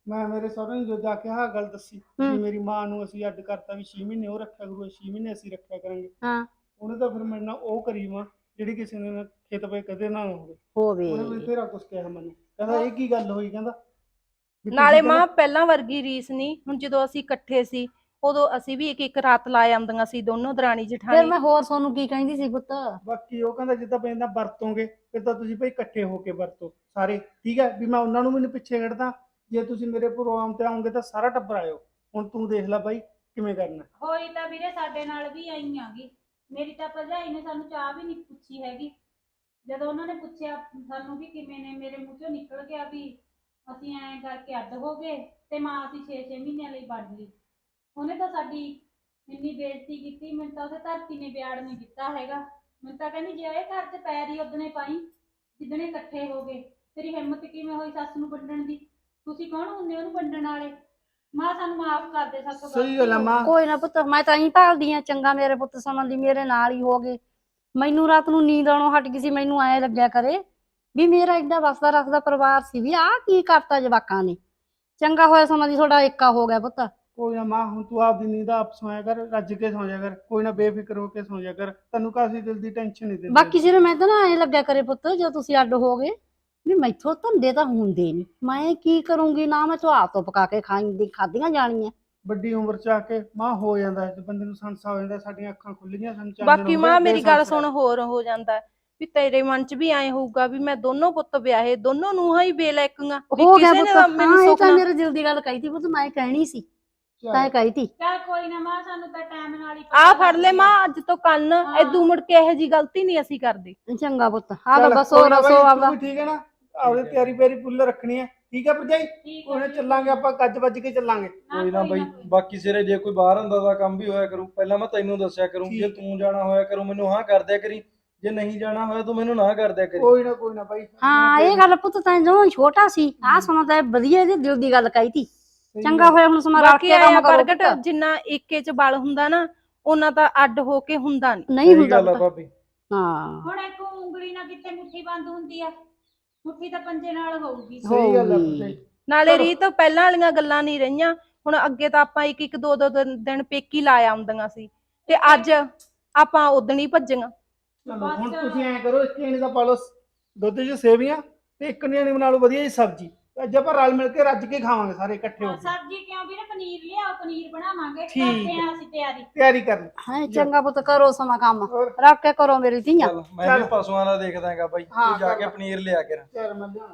[SPEAKER 4] ਮੈਂ ਮੇਰੇ ਸਹੁਰੇ ਨੂੰ ਜੋ ਜਾ ਕੇ ਆਹ ਗੱਲ ਦੱਸੀ
[SPEAKER 7] ਹੂੰ।
[SPEAKER 4] ਵੀ ਮੇਰੀ ਮਾਂ ਨੂੰ ਅਸੀਂ ਅੱਡ ਕਰਤਾ ਵੀ 6 ਮਹੀਨੇ ਉਹ ਰੱਖਿਆ ਕਰੂ 6 ਮਹੀਨੇ ਅਸੀਂ ਰੱਖਿਆ ਕਰਾਂਗੇ।
[SPEAKER 7] ਹਾਂ
[SPEAKER 4] ਉਹਨੇ ਤਾਂ ਫਿਰ ਮੇਰੇ ਨਾਲ ਉਹ ਕਰੀ ਮਾਂ ਜਿਹੜੀ ਕਿਸੇ ਨੇ ਨਾ ਖੇਤ ਪਏ ਕਦੇ ਨਾ ਹੋਵੇ।
[SPEAKER 7] ਹੋਵੇ
[SPEAKER 4] ਉਹਨੇ ਵੀ ਤੇਰਾ ਕੁਛ ਕਿਹਾ ਮੈਨੂੰ, ਕਹਿੰਦਾ ਇਹ ਕੀ ਗੱਲ ਹੋਈ, ਕਹਿੰਦਾ ਵੀ ਤੁਸੀਂ
[SPEAKER 3] ਨਾਲੇ
[SPEAKER 4] ਕਹਿੰਦਾ-
[SPEAKER 3] ਮਾਂ ਪਹਿਲਾਂ ਵਰਗੀ ਰੀਸ ਨਹੀਂ, ਹੁਣ ਜਦੋਂ ਅਸੀਂ ਇਕੱਠੇ ਸੀ ਉਦੋਂ ਅਸੀਂ ਵੀ ਇੱਕ ਇੱਕ ਰਾਤ ਲਾ ਆਉਂਦੀਆਂ ਸੀ ਦੋਨੋਂ ਦਰਾਣੀ
[SPEAKER 7] ਫਿਰ
[SPEAKER 3] ਜਠਾਣੀ।
[SPEAKER 7] ਮੈਂ ਹੋਰ ਤੁਹਾਨੂੰ ਕੀ ਕਹਿੰਦੀ ਸੀ ਪੁੱਤ?
[SPEAKER 4] ਬਾਕੀ ਉਹ ਕਹਿੰਦਾ ਜਿੱਦਾਂ ਪੈਂਦਾ ਵਰਤੋਂਗੇ ਫਿਰ ਤਾਂ ਤੁਸੀਂ ਭਾਈ ਇਕੱਠੇ ਹੋ ਕੇ ਵਰਤੋ ਸਾਰੇ, ਠੀਕ ਹੈ ਵੀ ਮੈਂ ਉਹਨਾਂ ਨੂੰ ਵੀ ਨੀ ਪਿੱਛੇ ਕੱਢਦਾ। ਜੇ ਤੁਸੀਂ ਮੇਰੇ ਪ੍ਰੋਗਰਾਮ ਤੇ ਆਉਂਗੇ ਤਾਂ ਸਾਰਾ ਟੱਬਰ ਆਇਓ। ਹੁਣ ਤੂੰ ਦੇਖ ਲੈ ਬਾਈ ਕਿਵੇਂ ਕਰਨਾ।
[SPEAKER 2] ਹੋਈ ਤਾਂ ਵੀਰੇ ਸਾਡੇ ਨਾਲ ਵੀ ਆਈ ਆਗੀ। ਮੇਰੀ ਤਾਂ ਭਰਜਾਈ ਨੇ ਸਾਨੂੰ ਚਾਹ ਵੀ ਨਹੀਂ ਪੁੱਛੀ ਹੈਗੀ। ਜਦੋਂ ਉਹਨਾਂ ਨੇ ਪੁੱਛਿਆ ਸਾਨੂੰ ਵੀ ਕਿਵੇਂ ਨੇ, ਮੇਰੇ ਮੂੰਹ ਚੋਂ ਨਿਕਲ ਗਿਆ ਵੀ ਅਸੀਂ ਐਂ ਕਰਕੇ ਅੱਡ ਹੋ ਗਏ ਤੇ ਮਾਂ ਅਸੀਂ 6-6 ਮਹੀਨਿਆਂ ਲਈ ਵੜ ਲਈ। ਉਹਨੇ ਤਾਂ ਸਾਡੀ ਇੰਨੀ ਬੇਇੱਜ਼ਤੀ ਕੀਤੀ, ਮੈਨੂੰ ਤਾਂ ਉਹਦੇ ਧਰਤੀ ਨੇ ਵਿਆੜ ਨਹੀਂ ਦਿੱਤਾ ਹੈਗਾ। ਮੈਨੂੰ ਤਾਂ ਕਹਿੰਦੀ ਜੇ ਇਹ ਘਰ 'ਚ ਪੈਰ ਹੀ ਉਦਣੇ ਪਾਈ ਜਿੱਦਣੇ ਇਕੱਠੇ ਹੋ ਗਏ, ਤੇਰੀ ਹਿੰਮਤ ਕਿਵੇਂ ਹੋਈ ਸੱਸ ਨੂੰ ਵੰਡਣ ਦੀ? ਤੁਸੀਂ ਕੌਣ ਹੁੰਦੇ ਉਹਨੂੰ ਵੰਡਣ ਵਾਲੇ? ਮਾਂ ਸਾਨੂੰ ਮਾਫ ਕਰ ਦੇ, ਸਾਥੋਂ
[SPEAKER 4] ਸਹੀ ਗੱਲ ਆ
[SPEAKER 2] ਗਲਤੀ ਹੋ
[SPEAKER 4] ਮਾਂ।
[SPEAKER 7] ਕੋਈ ਨਾ ਪੁੱਤ, ਮੈਂ ਤਾਂ ਹੀ ਭਾਲਦੀ ਆ ਚੰਗਾ ਮੇਰੇ ਪੁੱਤ ਸੰਬੰਧੀ ਮੇਰੇ ਨਾਲ ਹੀ ਹੋ ਗਏ। ਮੈਨੂੰ ਰਾਤ ਨੂੰ ਨੀਂਦ ਆਉਣੋਂ ਹਟ ਗਈ ਸੀ, ਮੈਨੂੰ ਐ ਲੱਗਿਆ ਕਰੇ ਵੀ ਮੇਰਾ ਏਡਾ ਵਸਦਾ ਰੱਖਦਾ ਪਰਿਵਾਰ ਸੀ, ਵੀ ਆਹ ਕੀ ਕਰਤਾ ਜਵਾਕਾਂ ਨੇ। ਚੰਗਾ ਹੋਇਆ ਸਮਾਂ ਦੀ ਤੁਹਾਡਾ ਏਕਾ ਹੋ ਗਿਆ ਪੁੱਤ।
[SPEAKER 4] ਕੋਈ ਨਾ ਮਾਂ, ਹੁਣ ਤੂੰ ਆਪਦੀ ਨੀਂਦ ਆਪ ਸੌਂਇਆ ਕਰ, ਰੱਜ ਕੇ ਸੌਂ ਜਾ ਕਰ, ਕੋਈ ਨਾ ਬੇਫਿਕਰ ਹੋ ਕੇ ਸੌਂ ਜਾ ਕਰ, ਤੈਨੂੰ ਕਾਸੀ ਦਿਲ ਦੀ ਟੈਨਸ਼ਨ ਨਹੀਂ ਦਿੰਦੀ।
[SPEAKER 7] ਬਾਕੀ ਸਿਰ ਮੈਂ ਤਾਂ ਨਾ ਐ ਲੱਗਿਆ ਕਰੇ ਪੁੱਤ, ਜਦੋਂ ਤੁਸੀਂ ਅੱਡ ਹੋ ਗਏ ਵੀ ਮੈਥੋਂ ਧੰਦੇ ਤਾਂ ਹੁੰਦੇ ਨਹੀਂ, ਮੈਂ ਕੀ ਕਰੂੰਗੀ ਨਾ ਮੈਂ ਚਾਹ ਤੋਂ ਪਕਾ ਕੇ ਖਾਧੀਆਂ ਜਾਣੀਆਂ।
[SPEAKER 4] ਵੱਡੀ ਉਮਰ ਚ ਆ ਕੇ ਮਾਂ ਹੋ ਜਾਂਦਾ ਹੈ, ਬੰਦੇ ਨੂੰ ਸੰਸਾ ਹੋ ਜਾਂਦਾ, ਸਾਡੀਆਂ ਅੱਖਾਂ ਖੁੱਲ ਗਈਆਂ, ਸਾਨੂੰ ਚਾਨਣ
[SPEAKER 3] ਬਾਕੀ
[SPEAKER 4] ਹੋ
[SPEAKER 3] ਮਾਂ
[SPEAKER 4] ਗਿਆ,
[SPEAKER 3] ਮੇਰੀ ਗੱਲ
[SPEAKER 4] ਬੇਸੰਸ
[SPEAKER 3] ਸੁਣ, ਹੋਰ ਹੋ ਜਾਂਦਾ ਹੈ ਵੀ ਤੇਰੇ ਮਨ 'ਚ ਵੀ ਐਂ ਹੋਊਗਾ ਵੀ ਮੈਂ ਦੋਨੋਂ ਪੁੱਤ ਵਿਆਹੇ, ਦੋਨੋਂ ਨੂੰਹਾਂ ਹੀ ਬੇਲੈਕੀਆਂ ਵੀ
[SPEAKER 7] ਹੋ ਗਿਆ
[SPEAKER 3] ਕਿਸੇ ਨੇ
[SPEAKER 7] ਪੁੱਤ।
[SPEAKER 3] ਮੈਨੂੰ
[SPEAKER 7] ਹਾਂ ਇਹ
[SPEAKER 3] ਸੁੱਖ
[SPEAKER 7] ਤਾਂ
[SPEAKER 3] ਨਾ।
[SPEAKER 7] ਮੇਰੇ ਦਿਲ ਦੀ ਗੱਲ ਕਹੀ ਤੀ ਪੁੱਤ, ਮੈਂ ਕਹਿਣੀ ਸੀ
[SPEAKER 4] ਚੱਲ।
[SPEAKER 7] ਤਾਂ ਕਹੀ ਤੀ।
[SPEAKER 2] ਚੱਲ ਕੋਈ ਨਾ ਮਾਂ, ਸਾਨੂੰ ਤਾਂ ਟਾਈਮ ਨਾਲ ਹੀ
[SPEAKER 3] ਆ
[SPEAKER 2] ਪਤਾ
[SPEAKER 3] ਫੜ ਲੈ
[SPEAKER 2] ਲੱਗ
[SPEAKER 3] ਮਾਂ,
[SPEAKER 2] ਗਿਆ।
[SPEAKER 3] ਅੱਜ ਤੋਂ ਕੰਨ
[SPEAKER 2] ਹਾਂ।
[SPEAKER 3] ਏਦੂ ਮੁੜ ਕੇ ਇਹੋ ਜੀ ਗਲਤੀ ਨਹੀਂ ਅਸੀਂ ਕਰਦੇ।
[SPEAKER 7] ਚੰਗਾ ਪੁੱਤ, ਆ ਤਾਂ
[SPEAKER 4] ਚੱਲ,
[SPEAKER 7] ਬਸ
[SPEAKER 4] ਕੋਈ ਨਾ ਬਾਈ,
[SPEAKER 7] ਰਸੋ
[SPEAKER 4] ਤੂੰ
[SPEAKER 7] ਆਪਦਾ।
[SPEAKER 4] ਵੀ ਠੀਕ ਹੈ ਨਾ, ਆਪਦੀ ਤਿਆਰੀ ਪਿਆਰੀ ਫੁੱਲ ਰੱਖਣੀ ਹੈ, ਠੀਕ ਹੈ ਭਰਜਾਈ?
[SPEAKER 2] ਠੀਕ
[SPEAKER 4] ਉਹਨੇ
[SPEAKER 2] ਹੈ,
[SPEAKER 4] ਚੱਲਾਂਗੇ ਆਪਾਂ, ਗੱਜ ਵੱਜ ਕੇ ਚੱਲਾਂਗੇ।
[SPEAKER 1] ਕੋਈ ਨਾ ਬਾਈ, ਬਾਕੀ ਸਿਰੇ ਜੇ ਕੋਈ ਬਾਹਰ ਅੰਦਰ ਦਾ ਕੰਮ ਵੀ ਹੋਇਆ ਕਰੂ ਪਹਿਲਾਂ ਮੈਂ ਤੈਨੂੰ ਦੱਸਿਆ ਕਰੂੰ, ਜੇ
[SPEAKER 4] ਠੀਕ।
[SPEAKER 1] ਤੂੰ ਜਾਣਾ ਹੋਇਆ ਕਰੂ ਮੈਨੂੰ ਹਾਂ ਕਰ ਦਿਆ ਕਰੀ, ਜੇ ਨਹੀਂ ਜਾਣਾ ਹੋਇਆ ਤੂੰ ਮੈਨੂੰ ਨਾ ਕਰ ਦਿਆ ਕਰੀ।
[SPEAKER 4] ਕੋਈ ਨਾ ਬਾਈ।
[SPEAKER 7] ਹਾਂ ਇਹ ਗੱਲ ਪੁੱਤ ਤਾਂ ਜਦੋਂ ਛੋਟਾ ਸੀ ਆਹ ਸੁਣਾ ਤਾਂ ਵਧੀਆ ਇਹਦੇ ਦਿਲ ਦੀ ਗੱਲ ਕਹੀ ਤੀ।
[SPEAKER 4] ਸਹੀ
[SPEAKER 7] ਚੰਗਾ
[SPEAKER 4] ਗੱਲ।
[SPEAKER 7] ਹੋਇਆ ਹੁਣ ਸਮਾਂ ਰੱਖ
[SPEAKER 3] ਬਾਕੀ
[SPEAKER 7] ਕੇ
[SPEAKER 3] ਆਇਆ
[SPEAKER 7] ਕੰਮ ਕਰੋ
[SPEAKER 3] ਪ੍ਰਗਟ,
[SPEAKER 7] ਪੁੱਤ।
[SPEAKER 3] ਜਿੰਨਾ ਏਕੇ 'ਚ ਬਲ ਹੁੰਦਾ ਨਾ ਉਹਨਾਂ ਤਾਂ ਅੱਡ ਹੋ ਕੇ ਹੁੰਦਾ ਨਹੀਂ।
[SPEAKER 7] ਨਹੀਂ
[SPEAKER 1] ਸਹੀ
[SPEAKER 7] ਹੁੰਦਾ
[SPEAKER 1] ਗੱਲ ਆ
[SPEAKER 7] ਪੁੱਤ।
[SPEAKER 1] ਭਾਬੀ।
[SPEAKER 7] ਹਾਂ
[SPEAKER 2] ਹੁਣ ਇੱਕ ਉਂਗਲੀ ਨਾਲ ਕਿੱਥੇ ਮੁੱਠੀ ਬੰਦ ਹੁੰਦੀ ਆ, ਮੁੱਠੀ ਤਾਂ ਪੰਜੇ ਨਾਲ ਹੋਊਗੀ।
[SPEAKER 4] ਸਹੀ ਗੱਲ ਆ
[SPEAKER 7] ਹੋਊਗੀ।
[SPEAKER 4] ਭਰਜਾਈ।
[SPEAKER 3] ਨਾਲੇ
[SPEAKER 4] ਚਲੋ।
[SPEAKER 3] ਰੀਤ ਪਹਿਲਾਂ ਵਾਲੀਆਂ ਗੱਲਾਂ ਨਹੀਂ ਰਹੀਆਂ, ਹੁਣ ਅੱਗੇ ਤਾਂ ਆਪਾਂ ਇੱਕ ਇੱਕ ਦੋ ਦੋ ਦਿਨ ਪੇਕੀ ਲਾ ਆਉਂਦੀਆਂ ਸੀ ਤੇ ਅੱਜ ਆਪਾਂ ਉਦਣ ਹੀ ਭੱਜੀਆਂ।
[SPEAKER 4] ਚਲੋ ਹੁਣ
[SPEAKER 2] ਬਸ।
[SPEAKER 4] ਤੁਸੀਂ ਐਂ ਕਰੋ, ਇੱਕ ਜਣੇ ਦਾ ਪਾ ਲਓ ਦੁੱਧ 'ਚ ਸੇਵੀਆਂ ਤੇ ਇੱਕ ਜਣੇ ਬਣਾ ਲਓ ਵਧੀਆ ਜੀ ਸਬਜ਼ੀ, ਅੱਜ ਆਪਾਂ ਰਲ ਮਿਲ ਕੇ ਰੱਜ ਕੇ ਖਾਵਾਂਗੇ ਸਾਰੇ ਇਕੱਠੇ ਹੋ ਕੇ।
[SPEAKER 2] ਸਬਜ਼ੀ ਕਿਉਂ ਵੀਰੇ, ਪਨੀਰ ਲਿਆਓ, ਪਨੀਰ ਬਣਾਵਾਂਗੇ,
[SPEAKER 4] ਠੀਕ
[SPEAKER 2] ਕਰਦੇ
[SPEAKER 4] ਹੈ।
[SPEAKER 2] ਆਂ ਅਸੀਂ ਤਿਆਰੀ।
[SPEAKER 4] ਤਿਆਰੀ ਕਰ ਲਓ।
[SPEAKER 7] ਹਾਂ ਚੰਗਾ ਪੁੱਤ ਕਰੋ ਸਮਾਂ ਕੰਮ,
[SPEAKER 4] ਹੋਰ?
[SPEAKER 7] ਰੱਖ ਕੇ ਕਰੋ ਮੇਰੀ ਧੀਆਂ।
[SPEAKER 1] ਚੱਲ ਮੈਂ ਵੀ
[SPEAKER 4] ਚੱਲ।
[SPEAKER 1] ਪਸ਼ੂਆਂ ਦਾ ਦੇਖਦਾ ਹੈਗਾ ਬਾਈ,
[SPEAKER 4] ਹਾਂ,
[SPEAKER 1] ਤੂੰ ਜਾ
[SPEAKER 4] ਕਰ
[SPEAKER 1] ਕੇ
[SPEAKER 4] ਲਾ।
[SPEAKER 1] ਪਨੀਰ ਲਿਆ ਕੇ।
[SPEAKER 4] ਚੱਲ ਮੈਂ ਲਿਆਉਣਾ।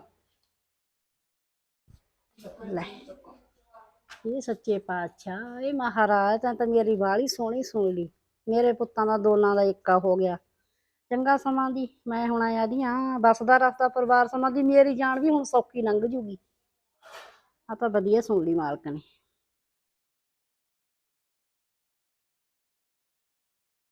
[SPEAKER 7] ਲੈ ਇਹ ਸੱਚੇ ਪਾਤਸ਼ਾਹ, ਇਹ ਮਹਾਰਾਜ ਤਾਂ ਮੇਰੀ ਬਾਲੀ ਸੋਹਣੀ ਸੁਣ ਲਈ। ਮੇਰੇ ਪੁੱਤਾਂ ਦਾ ਦੋਨਾਂ ਦਾ ਏਕਾ ਹੋ ਗਿਆ। ਚੰਗਾ ਸਮਾਂ ਦੀ ਮੈਂ ਹੁਣ ਆਦੀਆਂ ਬਸਦਾ ਰਸਤਾ ਪਰਿਵਾਰ ਸਮਾਂ ਦੀ, ਮੇਰੀ ਜਾਨ ਵੀ ਹੁਣ ਸੌਖੀ ਲੰਘ ਜੂਗੀ। ਆ ਤਾਂ ਵਧੀਆ ਸੁਣ ਲਈ ਮਾਲਕ ਨੇ।